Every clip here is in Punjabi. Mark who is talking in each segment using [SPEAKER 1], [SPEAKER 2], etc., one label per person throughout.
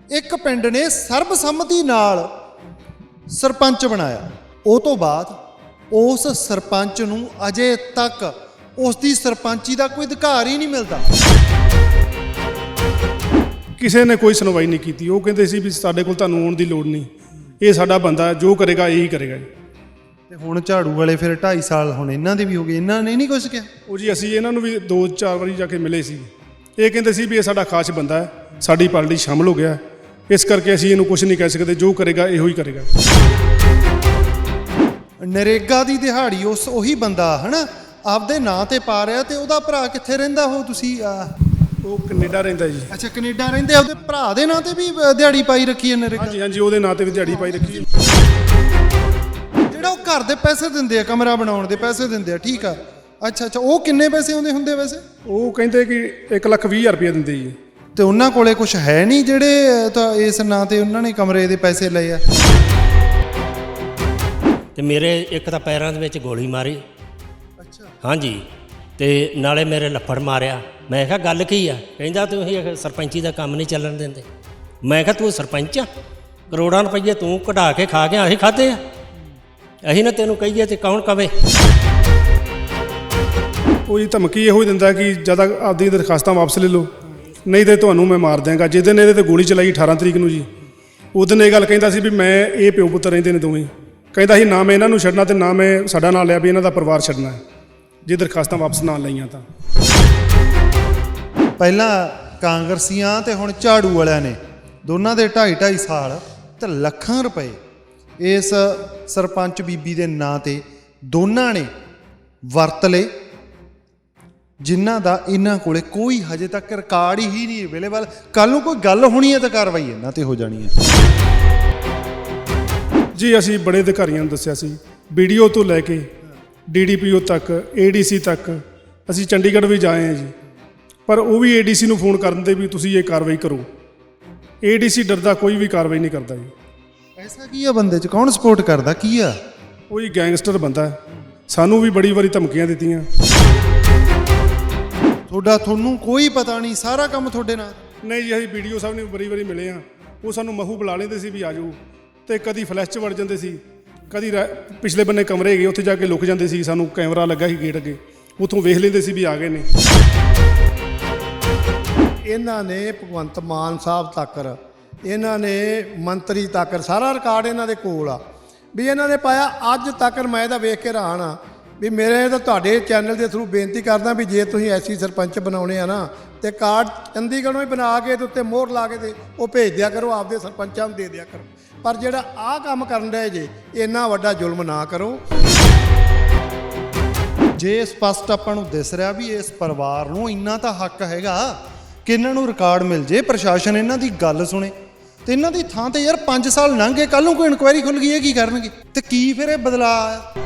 [SPEAKER 1] ਇੱਕ ਪਿੰਡ ਨੇ ਸਰਬਸੰਮਤੀ ਨਾਲ ਸਰਪੰਚ ਬਣਾਇਆ। ਉਹ ਤੋਂ ਬਾਅਦ ਉਸ ਸਰਪੰਚ ਨੂੰ ਅਜੇ ਤੱਕ ਉਸ ਦੀ ਸਰਪੰਚੀ ਦਾ ਕੋਈ ਅਧਿਕਾਰ ਹੀ ਨਹੀਂ ਮਿਲਦਾ।
[SPEAKER 2] ਕਿਸੇ ਨੇ ਕੋਈ ਸੁਣਵਾਈ ਨਹੀਂ ਕੀਤੀ। ਉਹ ਕਹਿੰਦੇ ਸੀ ਵੀ ਸਾਡੇ ਕੋਲ ਤੁਹਾਨੂੰ ਆਉਣ ਦੀ ਲੋੜ ਨਹੀਂ, ਇਹ ਸਾਡਾ ਬੰਦਾ ਜੋ ਕਰੇਗਾ ਇਹੀ ਕਰੇਗਾ।
[SPEAKER 1] ਤੇ ਹੁਣ ਝਾੜੂ ਵਾਲੇ ਫਿਰ 2.5 ਸਾਲ ਹੁਣ ਇਹਨਾਂ ਦੇ ਵੀ ਹੋ ਗਏ, ਇਹਨਾਂ ਨੇ ਨਹੀਂ ਕੁਛ ਕਿਹਾ।
[SPEAKER 2] ਉਹ ਜੀ ਅਸੀਂ ਇਹਨਾਂ ਨੂੰ ਵੀ 2-4 ਵਾਰੀ ਜਾ ਕੇ ਮਿਲੇ ਸੀ। ਇਹ ਕਹਿੰਦੇ ਸੀ ਵੀ ਇਹ ਸਾਡਾ ਖਾਸ ਬੰਦਾ ਹੈ, ਸਾਡੀ ਪਾਰਟੀ ਸ਼ਾਮਲ ਹੋ ਗਿਆ, ਇਸ ਕਰਕੇ ਅਸੀਂ ਇਹਨੂੰ ਕੁਝ ਨਹੀਂ ਕਹਿ ਸਕਦੇ, ਜੋ ਕਰੇਗਾ ਇਹੋ ਹੀ ਕਰੇਗਾ।
[SPEAKER 1] ਨਰੇਗਾ ਦੀ ਦਿਹਾੜੀ ਉਹੀ ਬੰਦਾ ਹਨਾ ਆਪਦੇ ਨਾਂ ਤੇ ਪਾ ਰਿਹਾ, ਤੇ ਉਹਦਾ ਭਰਾ ਕਿੱਥੇ ਰਹਿੰਦਾ? ਉਹ ਤੁਸੀਂ
[SPEAKER 2] ਉਹ ਕੈਨੇਡਾ ਰਹਿੰਦਾ ਜੀ।
[SPEAKER 1] ਅੱਛਾ, ਕੈਨੇਡਾ ਰਹਿੰਦੇ। ਉਹਦੇ ਭਰਾ ਦੇ ਨਾਂ ਤੇ ਵੀ ਦਿਹਾੜੀ ਪਾਈ ਰੱਖੀ ਹੈ ਨਰੇਗਾ?
[SPEAKER 2] ਹਾਂਜੀ ਹਾਂਜੀ, ਉਹਦੇ ਨਾਂ ਤੇ ਵੀ ਦਿਹਾੜੀ ਪਾਈ ਰੱਖੀ ਹੈ।
[SPEAKER 1] ਜਿਹੜਾ ਉਹ ਘਰ ਦੇ ਪੈਸੇ ਦਿੰਦੇ ਆ, ਕਮਰਾ ਬਣਾਉਣ ਦੇ ਪੈਸੇ ਦਿੰਦੇ ਆ, ਠੀਕ ਆ। ਅੱਛਾ ਅੱਛਾ, ਉਹ ਕਿੰਨੇ ਪੈਸੇ ਆਉਂਦੇ ਹੁੰਦੇ ਵੈਸੇ?
[SPEAKER 2] ਉਹ ਕਹਿੰਦੇ ਕਿ 1,20,000 ਰੁਪਇਆ ਦਿੰਦੇ ਜੀ।
[SPEAKER 1] ਤੇ ਉਹਨਾਂ ਕੋਲੇ ਕੁਝ ਹੈ ਨਹੀਂ ਜਿਹੜੇ ਤਾਂ ਇਸ ਨਾਂ ਤੇ ਉਹਨਾਂ ਨੇ ਕਮਰੇ ਦੇ ਪੈਸੇ ਲਏ ਆ?
[SPEAKER 3] ਤੇ ਮੇਰੇ ਇੱਕ ਤਾਂ ਪੈਰਾਂ ਦੇ ਵਿੱਚ ਗੋਲੀ ਮਾਰੀ।
[SPEAKER 1] ਅੱਛਾ,
[SPEAKER 3] ਹਾਂਜੀ, ਤੇ ਨਾਲੇ ਮੇਰੇ ਲੱਫੜ ਮਾਰਿਆ। ਮੈਂ ਕਿਹਾ ਗੱਲ ਕੀ ਆ? ਕਹਿੰਦਾ ਤੁਸੀਂ ਸਰਪੰਚੀ ਦਾ ਕੰਮ ਨਹੀਂ ਚੱਲਣ ਦਿੰਦੇ। ਮੈਂ ਕਿਹਾ ਤੂੰ ਸਰਪੰਚ ਆ? ਕਰੋੜਾਂ ਰੁਪਈਏ ਤੂੰ ਕਢਾ ਕੇ ਖਾ ਗਿਆ, ਅਸੀਂ ਖਾਧੇ ਆ? ਅਸੀਂ ਨਾ ਤੈਨੂੰ ਕਹੀਏ ਤੇ ਕੌਣ ਕਵੇ?
[SPEAKER 2] ਉਹ ਜੀ ਧਮਕੀ ਇਹੋ ਹੀ ਦਿੰਦਾ ਕਿ ਜਦ ਆਪਦੀ ਦਰਖਾਸਤਾਂ ਵਾਪਸ ਲੈ ਲਓ, ਨਹੀਂ ਤੇ ਤੁਹਾਨੂੰ ਮੈਂ ਮਾਰ ਦਿਆਂਗਾ। ਜਿਸ ਦਿਨ ਇਹਦੇ ਤੇ ਗੋਲੀ ਚਲਾਈ 18 ਤਰੀਕ ਨੂੰ ਜੀ, ਉਸ ਦਿਨ ਇਹ ਗੱਲ ਕਹਿੰਦਾ ਸੀ ਵੀ ਮੈਂ ਇਹ ਪਿਓ ਪੁੱਤਰ ਰਹਿੰਦੇ ਨੇ ਦੋਵੇਂ। ਕਹਿੰਦਾ ਸੀ ਨਾ ਮੈਂ ਇਹਨਾਂ ਨੂੰ ਛੱਡਣਾ ਤੇ ਨਾ ਮੈਂ ਸਾਡਾ ਨਾਂ ਲਿਆ ਵੀ ਇਹਨਾਂ ਦਾ ਪਰਿਵਾਰ ਛੱਡਣਾ ਹੈ, ਜੇ ਦਰਖਾਸਤਾਂ ਵਾਪਸ ਨਾ ਲਈਆਂ ਤਾਂ।
[SPEAKER 1] ਪਹਿਲਾਂ ਕਾਂਗਰਸੀਆਂ ਤੇ ਹੁਣ ਝਾੜੂ ਵਾਲਿਆਂ ਨੇ ਦੋਨਾਂ ਦੇ 2.5 ਸਾਲ ਤੇ ਲੱਖਾਂ ਰੁਪਏ ਇਸ ਸਰਪੰਚ ਬੀਬੀ ਦੇ ਨਾਂ ਤੇ ਦੋਨਾਂ ਨੇ ਵਰਤ ਲਏ, ਜਿਨ੍ਹਾਂ ਦਾ ਇਹਨਾਂ ਕੋਲੇ ਕੋਈ ਹਜੇ ਤੱਕ ਰਿਕਾਰਡ ਹੀ ਨਹੀਂ ਅਵੇਲੇਬਲ। ਕੱਲ ਨੂੰ ਕੋਈ ਗੱਲ ਹੋਣੀ ਹੈ ਤਾਂ ਕਾਰਵਾਈ ਇਹਨਾਂ ਤੇ ਹੋ ਜਾਣੀ ਹੈ।
[SPEAKER 2] ਜੀ ਅਸੀਂ ਬੜੇ ਅਧਿਕਾਰੀਆਂ ਨੂੰ ਦੱਸਿਆ ਸੀ, BDO ਤੋਂ ਲੈ ਕੇ DDPO ਤੱਕ, ADC ਤੱਕ ਅਸੀਂ ਚੰਡੀਗੜ੍ਹ ਵੀ ਜਾਏ ਹਾਂ ਜੀ, ਪਰ ਉਹ ਵੀ ADC ਨੂੰ ਫੋਨ ਕਰਨ ਦੇ ਵੀ ਤੁਸੀਂ ਇਹ ਕਾਰਵਾਈ ਕਰੋ। ADC ਡਰਦਾ ਕੋਈ ਵੀ ਕਾਰਵਾਈ ਨਹੀਂ ਕਰਦਾ ਜੀ।
[SPEAKER 1] ਐਸਾ ਕੀ ਆ ਬੰਦੇ 'ਚ? ਕੌਣ ਸਪੋਰਟ ਕਰਦਾ? ਕੀ ਆ
[SPEAKER 2] ਉਹ ਹੀ ਗੈਂਗਸਟਰ ਬੰਦਾ। ਸਾਨੂੰ ਵੀ ਬੜੀ ਵਾਰੀ ਧਮਕੀਆਂ ਦਿੱਤੀਆਂ।
[SPEAKER 1] ਤੁਹਾਨੂੰ ਕੋਈ ਪਤਾ ਨਹੀਂ? ਸਾਰਾ ਕੰਮ ਤੁਹਾਡੇ ਨਾਲ?
[SPEAKER 2] ਨਹੀਂ ਜੀ, ਅਸੀਂ BDO ਸਾਹਿਬ ਨੂੰ ਬੜੀ ਵਾਰੀ ਮਿਲੇ ਹਾਂ। ਉਹ ਸਾਨੂੰ ਮਹੂ ਬੁਲਾ ਲੈਂਦੇ ਸੀ ਵੀ ਆ ਜਾਓ, ਤੇ ਕਦੀ ਫਲੈਸ਼ 'ਚ ਵੜ ਜਾਂਦੇ ਸੀ, ਕਦੀ ਪਿਛਲੇ ਬੰਨੇ ਕਮਰੇ ਹੈਗੇ ਉੱਥੇ ਜਾ ਕੇ ਲੁਕ ਜਾਂਦੇ ਸੀ। ਸਾਨੂੰ ਕੈਮਰਾ ਲੱਗਾ ਸੀ ਗੇਟ ਅੱਗੇ, ਉੱਥੋਂ ਵੇਖ ਲੈਂਦੇ ਸੀ ਵੀ ਆ ਗਏ ਨੇ।
[SPEAKER 4] ਇਹਨਾਂ ਨੇ ਭਗਵੰਤ ਮਾਨ ਸਾਹਿਬ ਤੱਕ, ਇਹਨਾਂ ਨੇ ਮੰਤਰੀ ਤੱਕ ਸਾਰਾ ਰਿਕਾਰਡ ਇਹਨਾਂ ਦੇ ਕੋਲ ਆ ਵੀ ਇਹਨਾਂ ਨੇ ਪਾਇਆ। ਅੱਜ ਤੱਕ ਮੈਂ ਇਹਦਾ ਵੇਖ ਕੇ ਹੈਰਾਨ ਆ ਵੀ ਮੇਰੇ ਤਾਂ ਤੁਹਾਡੇ ਚੈਨਲ ਦੇ ਥਰੂ ਬੇਨਤੀ ਕਰਦਾ ਵੀ ਜੇ ਤੁਸੀਂ ਐਸੀ ਸਰਪੰਚ ਬਣਾਉਣੇ ਆ ਨਾ, ਤੇ ਕਾਰਡ ਚੰਡੀਗੜ੍ਹੋਂ ਹੀ ਬਣਾ ਕੇ ਤੇ ਉੱਤੇ ਮੋਹਰ ਲਾ ਕੇ ਤੇ ਉਹ ਭੇਜ ਦਿਆ ਕਰੋ, ਆਪਦੇ ਸਰਪੰਚਾਂ ਨੂੰ ਦੇ ਦਿਆ ਕਰੋ। ਪਰ ਜਿਹੜਾ ਆਹ ਕੰਮ ਕਰਨ ਰਹੇ ਜੇ, ਇੰਨਾ ਵੱਡਾ ਜ਼ੁਲਮ ਨਾ ਕਰੋ।
[SPEAKER 1] ਜੇ ਸਪਸ਼ਟ ਆਪਾਂ ਨੂੰ ਦਿਸ ਰਿਹਾ ਵੀ ਇਸ ਪਰਿਵਾਰ ਨੂੰ ਇੰਨਾ ਤਾਂ ਹੱਕ ਹੈਗਾ ਕਿ ਇਹਨਾਂ ਨੂੰ ਰਿਕਾਰਡ ਮਿਲ ਜੇ, ਪ੍ਰਸ਼ਾਸਨ ਇਹਨਾਂ ਦੀ ਗੱਲ ਸੁਣੇ, ਤੇ ਇਹਨਾਂ ਦੀ ਥਾਂ ਤੇ ਯਾਰ 5 ਸਾਲ ਲੰਘ ਗਏ, ਕੱਲ ਨੂੰ ਕੋਈ ਇਨਕੁਆਇਰੀ ਖੁੱਲ ਗਈ, ਇਹ ਕੀ ਕਰਨਗੇ? ਤੇ ਕੀ ਫਿਰ ਇਹ ਬਦਲਾਅ ਆਇਆ?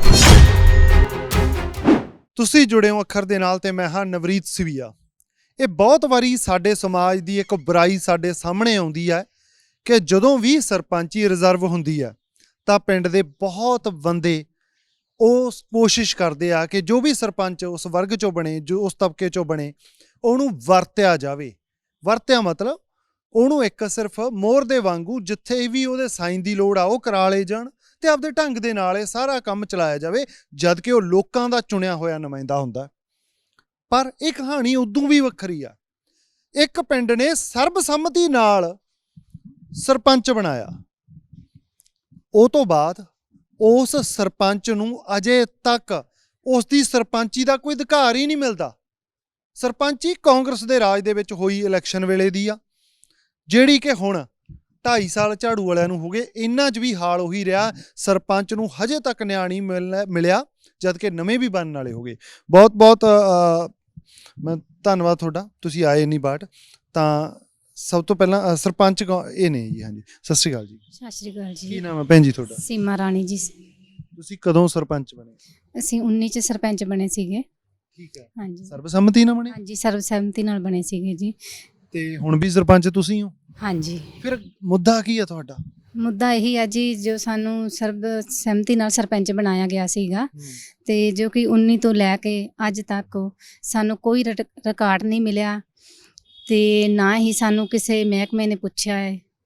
[SPEAKER 1] ਤੁਸੀਂ ਜੁੜੇ ਹੋ ਅੱਖਰ ਦੇ ਨਾਲ ਤੇ ਮੈਂ ਹਾਂ ਨਵਰੀਤ ਸਿਵੀਆ। ਇਹ ਬਹੁਤ ਵਾਰੀ ਸਾਡੇ ਸਮਾਜ ਦੀ ਇੱਕ ਬੁਰਾਈ ਸਾਡੇ ਸਾਹਮਣੇ ਆਉਂਦੀ ਹੈ ਕਿ ਜਦੋਂ ਵੀ ਸਰਪੰਚੀ ਰਿਜ਼ਰਵ ਹੁੰਦੀ ਹੈ ਤਾਂ ਪਿੰਡ ਦੇ ਬਹੁਤ ਬੰਦੇ ਉਹ ਕੋਸ਼ਿਸ਼ ਕਰਦੇ ਆ ਕਿ ਜੋ ਵੀ ਸਰਪੰਚ ਉਸ ਵਰਗ ਚੋਂ ਬਣੇ, ਜੋ ਉਸ ਤਬਕੇ ਚੋਂ ਬਣੇ, ਉਹਨੂੰ ਵਰਤਿਆ ਜਾਵੇ। ਵਰਤਿਆ ਮਤਲਬ ਉਹਨੂੰ ਇੱਕ ਸਿਰਫ ਮੋਹਰ ਦੇ ਵਾਂਗੂ ਜਿੱਥੇ ਵੀ ਉਹਦੇ ਸਾਈਨ ਦੀ ਲੋੜ ਆ ਉਹ ਕਰਾ ਲਏ ਜਾਣ, ਤੇ ਆਪਦੇ ਢੰਗ ਦੇ ਨਾਲ ਇਹ ਸਾਰਾ ਕੰਮ ਚਲਾਇਆ ਜਾਵੇ, ਜਦ ਕਿ ਉਹ ਲੋਕਾਂ ਦਾ ਚੁਣਿਆ ਹੋਇਆ ਨੁਮਾਇੰਦਾ ਹੁੰਦਾ। ਪਰ ਇਹ ਕਹਾਣੀ ਉਦੋਂ ਵੀ ਵੱਖਰੀ ਆ। ਇੱਕ ਪਿੰਡ ਨੇ ਸਰਬਸੰਮਤੀ ਨਾਲ ਸਰਪੰਚ ਬਣਾਇਆ। ਉਹ ਤੋਂ ਬਾਅਦ ਉਸ ਸਰਪੰਚ ਨੂੰ ਅਜੇ ਤੱਕ ਉਸ ਦੀ ਸਰਪੰਚੀ ਦਾ ਕੋਈ ਅਧਿਕਾਰ ਹੀ ਨਹੀਂ ਮਿਲਦਾ। ਸਰਪੰਚੀ ਕਾਂਗਰਸ ਦੇ ਰਾਜ ਦੇ ਵਿੱਚ ਹੋਈ ਇਲੈਕਸ਼ਨ ਵੇਲੇ ਦੀ ਆ, ਜਿਹੜੀ ਕਿ ਹੁਣ 2.5 ਸਾਲ ਝਾੜੂ ਵਾਲਿਆਂ ਨੂੰ ਹੋ ਗਏ। ਇਹਨਾਂ 'ਚ ਵੀ ਹਾਲ ਉਹੀ ਰਿਹਾ, ਸਰਪੰਚ ਨੂੰ ਹਜੇ ਤੱਕ ਨਿਆਂ ਨਹੀਂ ਮਿਲਿਆ, ਜਦ ਕਿ ਨਵੇਂ ਵੀ ਬਣਨ ਵਾਲੇ ਹੋ ਗਏ। ਬਹੁਤ ਬਹੁਤ ਮੈਂ ਧੰਨਵਾਦ ਤੁਹਾਡਾ, ਤੁਸੀਂ ਆਏ ਇੰਨੀ ਬਾਟ। ਤਾਂ ਸਭ ਤੋਂ ਪਹਿਲਾਂ ਸਰਪੰਚ ਇਹ ਨੇ ਜੀ। ਹਾਂਜੀ, ਸਤਿ ਸ਼੍ਰੀ ਅਕਾਲ ਜੀ।
[SPEAKER 5] ਸਤਿ ਸ਼੍ਰੀ ਅਕਾਲ ਜੀ।
[SPEAKER 1] ਕੀ ਨਾਮ ਹੈ ਭੈਣ ਜੀ ਤੁਹਾਡਾ?
[SPEAKER 5] ਸੀਮਾ ਰਾਣੀ ਜੀ।
[SPEAKER 1] ਤੁਸੀਂ ਕਦੋਂ ਸਰਪੰਚ ਬਣੇ?
[SPEAKER 5] ਅਸੀਂ 19 ਚ ਸਰਪੰਚ ਬਣੇ ਸੀਗੇ।
[SPEAKER 1] ਠੀਕ ਹੈ।
[SPEAKER 5] ਹਾਂਜੀ,
[SPEAKER 1] ਸਰਬਸੰਮਤੀ ਨਾਲ ਬਣੇ?
[SPEAKER 5] ਹਾਂਜੀ, ਸਰਬਸੰਮਤੀ ਨਾਲ ਬਣੇ ਸੀਗੇ ਜੀ।
[SPEAKER 1] ਤੇ ਹੁਣ ਵੀ ਸਰਪੰਚ ਤੁਸੀਂ ਹੋ?
[SPEAKER 5] ਹਾਂਜੀ।
[SPEAKER 1] ਫਿਰ ਮੁੱਦਾ ਕੀ ਹੈ ਤੁਹਾਡਾ?
[SPEAKER 5] ਮੁੱਦਾ ਇਹੀ ਆ ਜੀ, ਜੋ ਸਾਨੂੰ ਸਰਬਸੰਮਤੀ ਨਾਲ ਸਰਪੰਚ ਬਣਾਇਆ ਗਿਆ ਸੀਗਾ, ਤੇ ਜੋ ਕਿ 19 ਤੋਂ ਲੈ ਕੇ ਅੱਜ ਤੱਕ ਸਾਨੂੰ ਕੋਈ ਰਿਕਾਰਡ ਨਹੀਂ ਮਿਲਿਆ, ਤੇ ਨਾ ਹੀ ਸਾਨੂੰ ਕਿਸੇ ਮਹਿਕਮੇ ਨੇ ਪੁੱਛਿਆ ਹੈ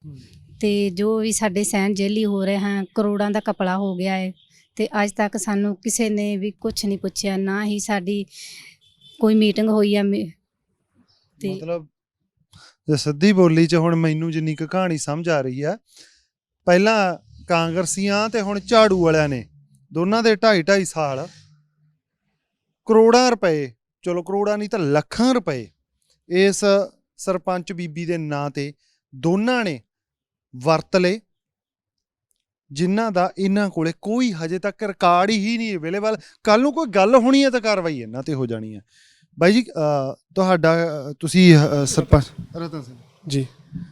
[SPEAKER 5] ਤੇ ਜੋ ਵੀ ਸਾਡੇ ਸਹਿਣ ਜੇਲੀ ਹੋ ਰਹੇ ਹਨ, ਕਰੋੜਾਂ ਦਾ ਕਪੜਾ ਹੋ ਗਿਆ ਹੈ ਤੇ ਅੱਜ ਤੱਕ ਸਾਨੂੰ ਕਿਸੇ ਨੇ ਵੀ ਕੁਝ ਨਹੀਂ ਪੁੱਛਿਆ, ਨਾ ਹੀ ਸਾਡੀ ਕੋਈ ਮੀਟਿੰਗ ਹੋਈ ਆ ਤੇ
[SPEAKER 1] ਮਤਲਬ ਜੇ ਸਿੱਧੀ ਬੋਲੀ 'ਚ ਹੁਣ ਮੈਨੂੰ ਜਿੰਨੀ ਕੁ ਕਹਾਣੀ ਸਮਝ ਆ ਰਹੀ ਆ, ਪਹਿਲਾਂ ਕਾਂਗਰਸੀਆਂ ਤੇ ਹੁਣ ਝਾੜੂ ਵਾਲਿਆਂ ਨੇ ਦੋਨਾਂ ਦੇ 2.5 ਸਾਲ ਕਰੋੜਾਂ ਰੁਪਏ, ਚਲੋ ਕਰੋੜਾਂ ਨਹੀਂ ਤਾਂ ਲੱਖਾਂ ਰੁਪਏ ਇਸ ਸਰਪੰਚ ਬੀਬੀ ਦੇ ਨਾਂ ਤੇ ਦੋਨਾਂ ਨੇ ਵਰਤ ਲਏ, ਜਿਨ੍ਹਾਂ ਦਾ ਇਹਨਾਂ ਕੋਲੇ ਕੋਈ ਹਜੇ ਤੱਕ ਰਿਕਾਰਡ ਹੀ ਨਹੀਂ ਅਵੇਲੇਬਲ। ਕੱਲ ਨੂੰ ਕੋਈ ਗੱਲ ਹੋਣੀ ਹੈ ਤਾਂ ਕਾਰਵਾਈ ਇਹਨਾਂ ਤੇ ਹੋ ਜਾਣੀ ਹੈ। ਬਾਈ ਜੀ ਤੁਹਾਡਾ ਤੁਸੀਂ ਸਰਪੰਚ ਰਤਨ ਸਿੰਘ
[SPEAKER 2] ਜੀ,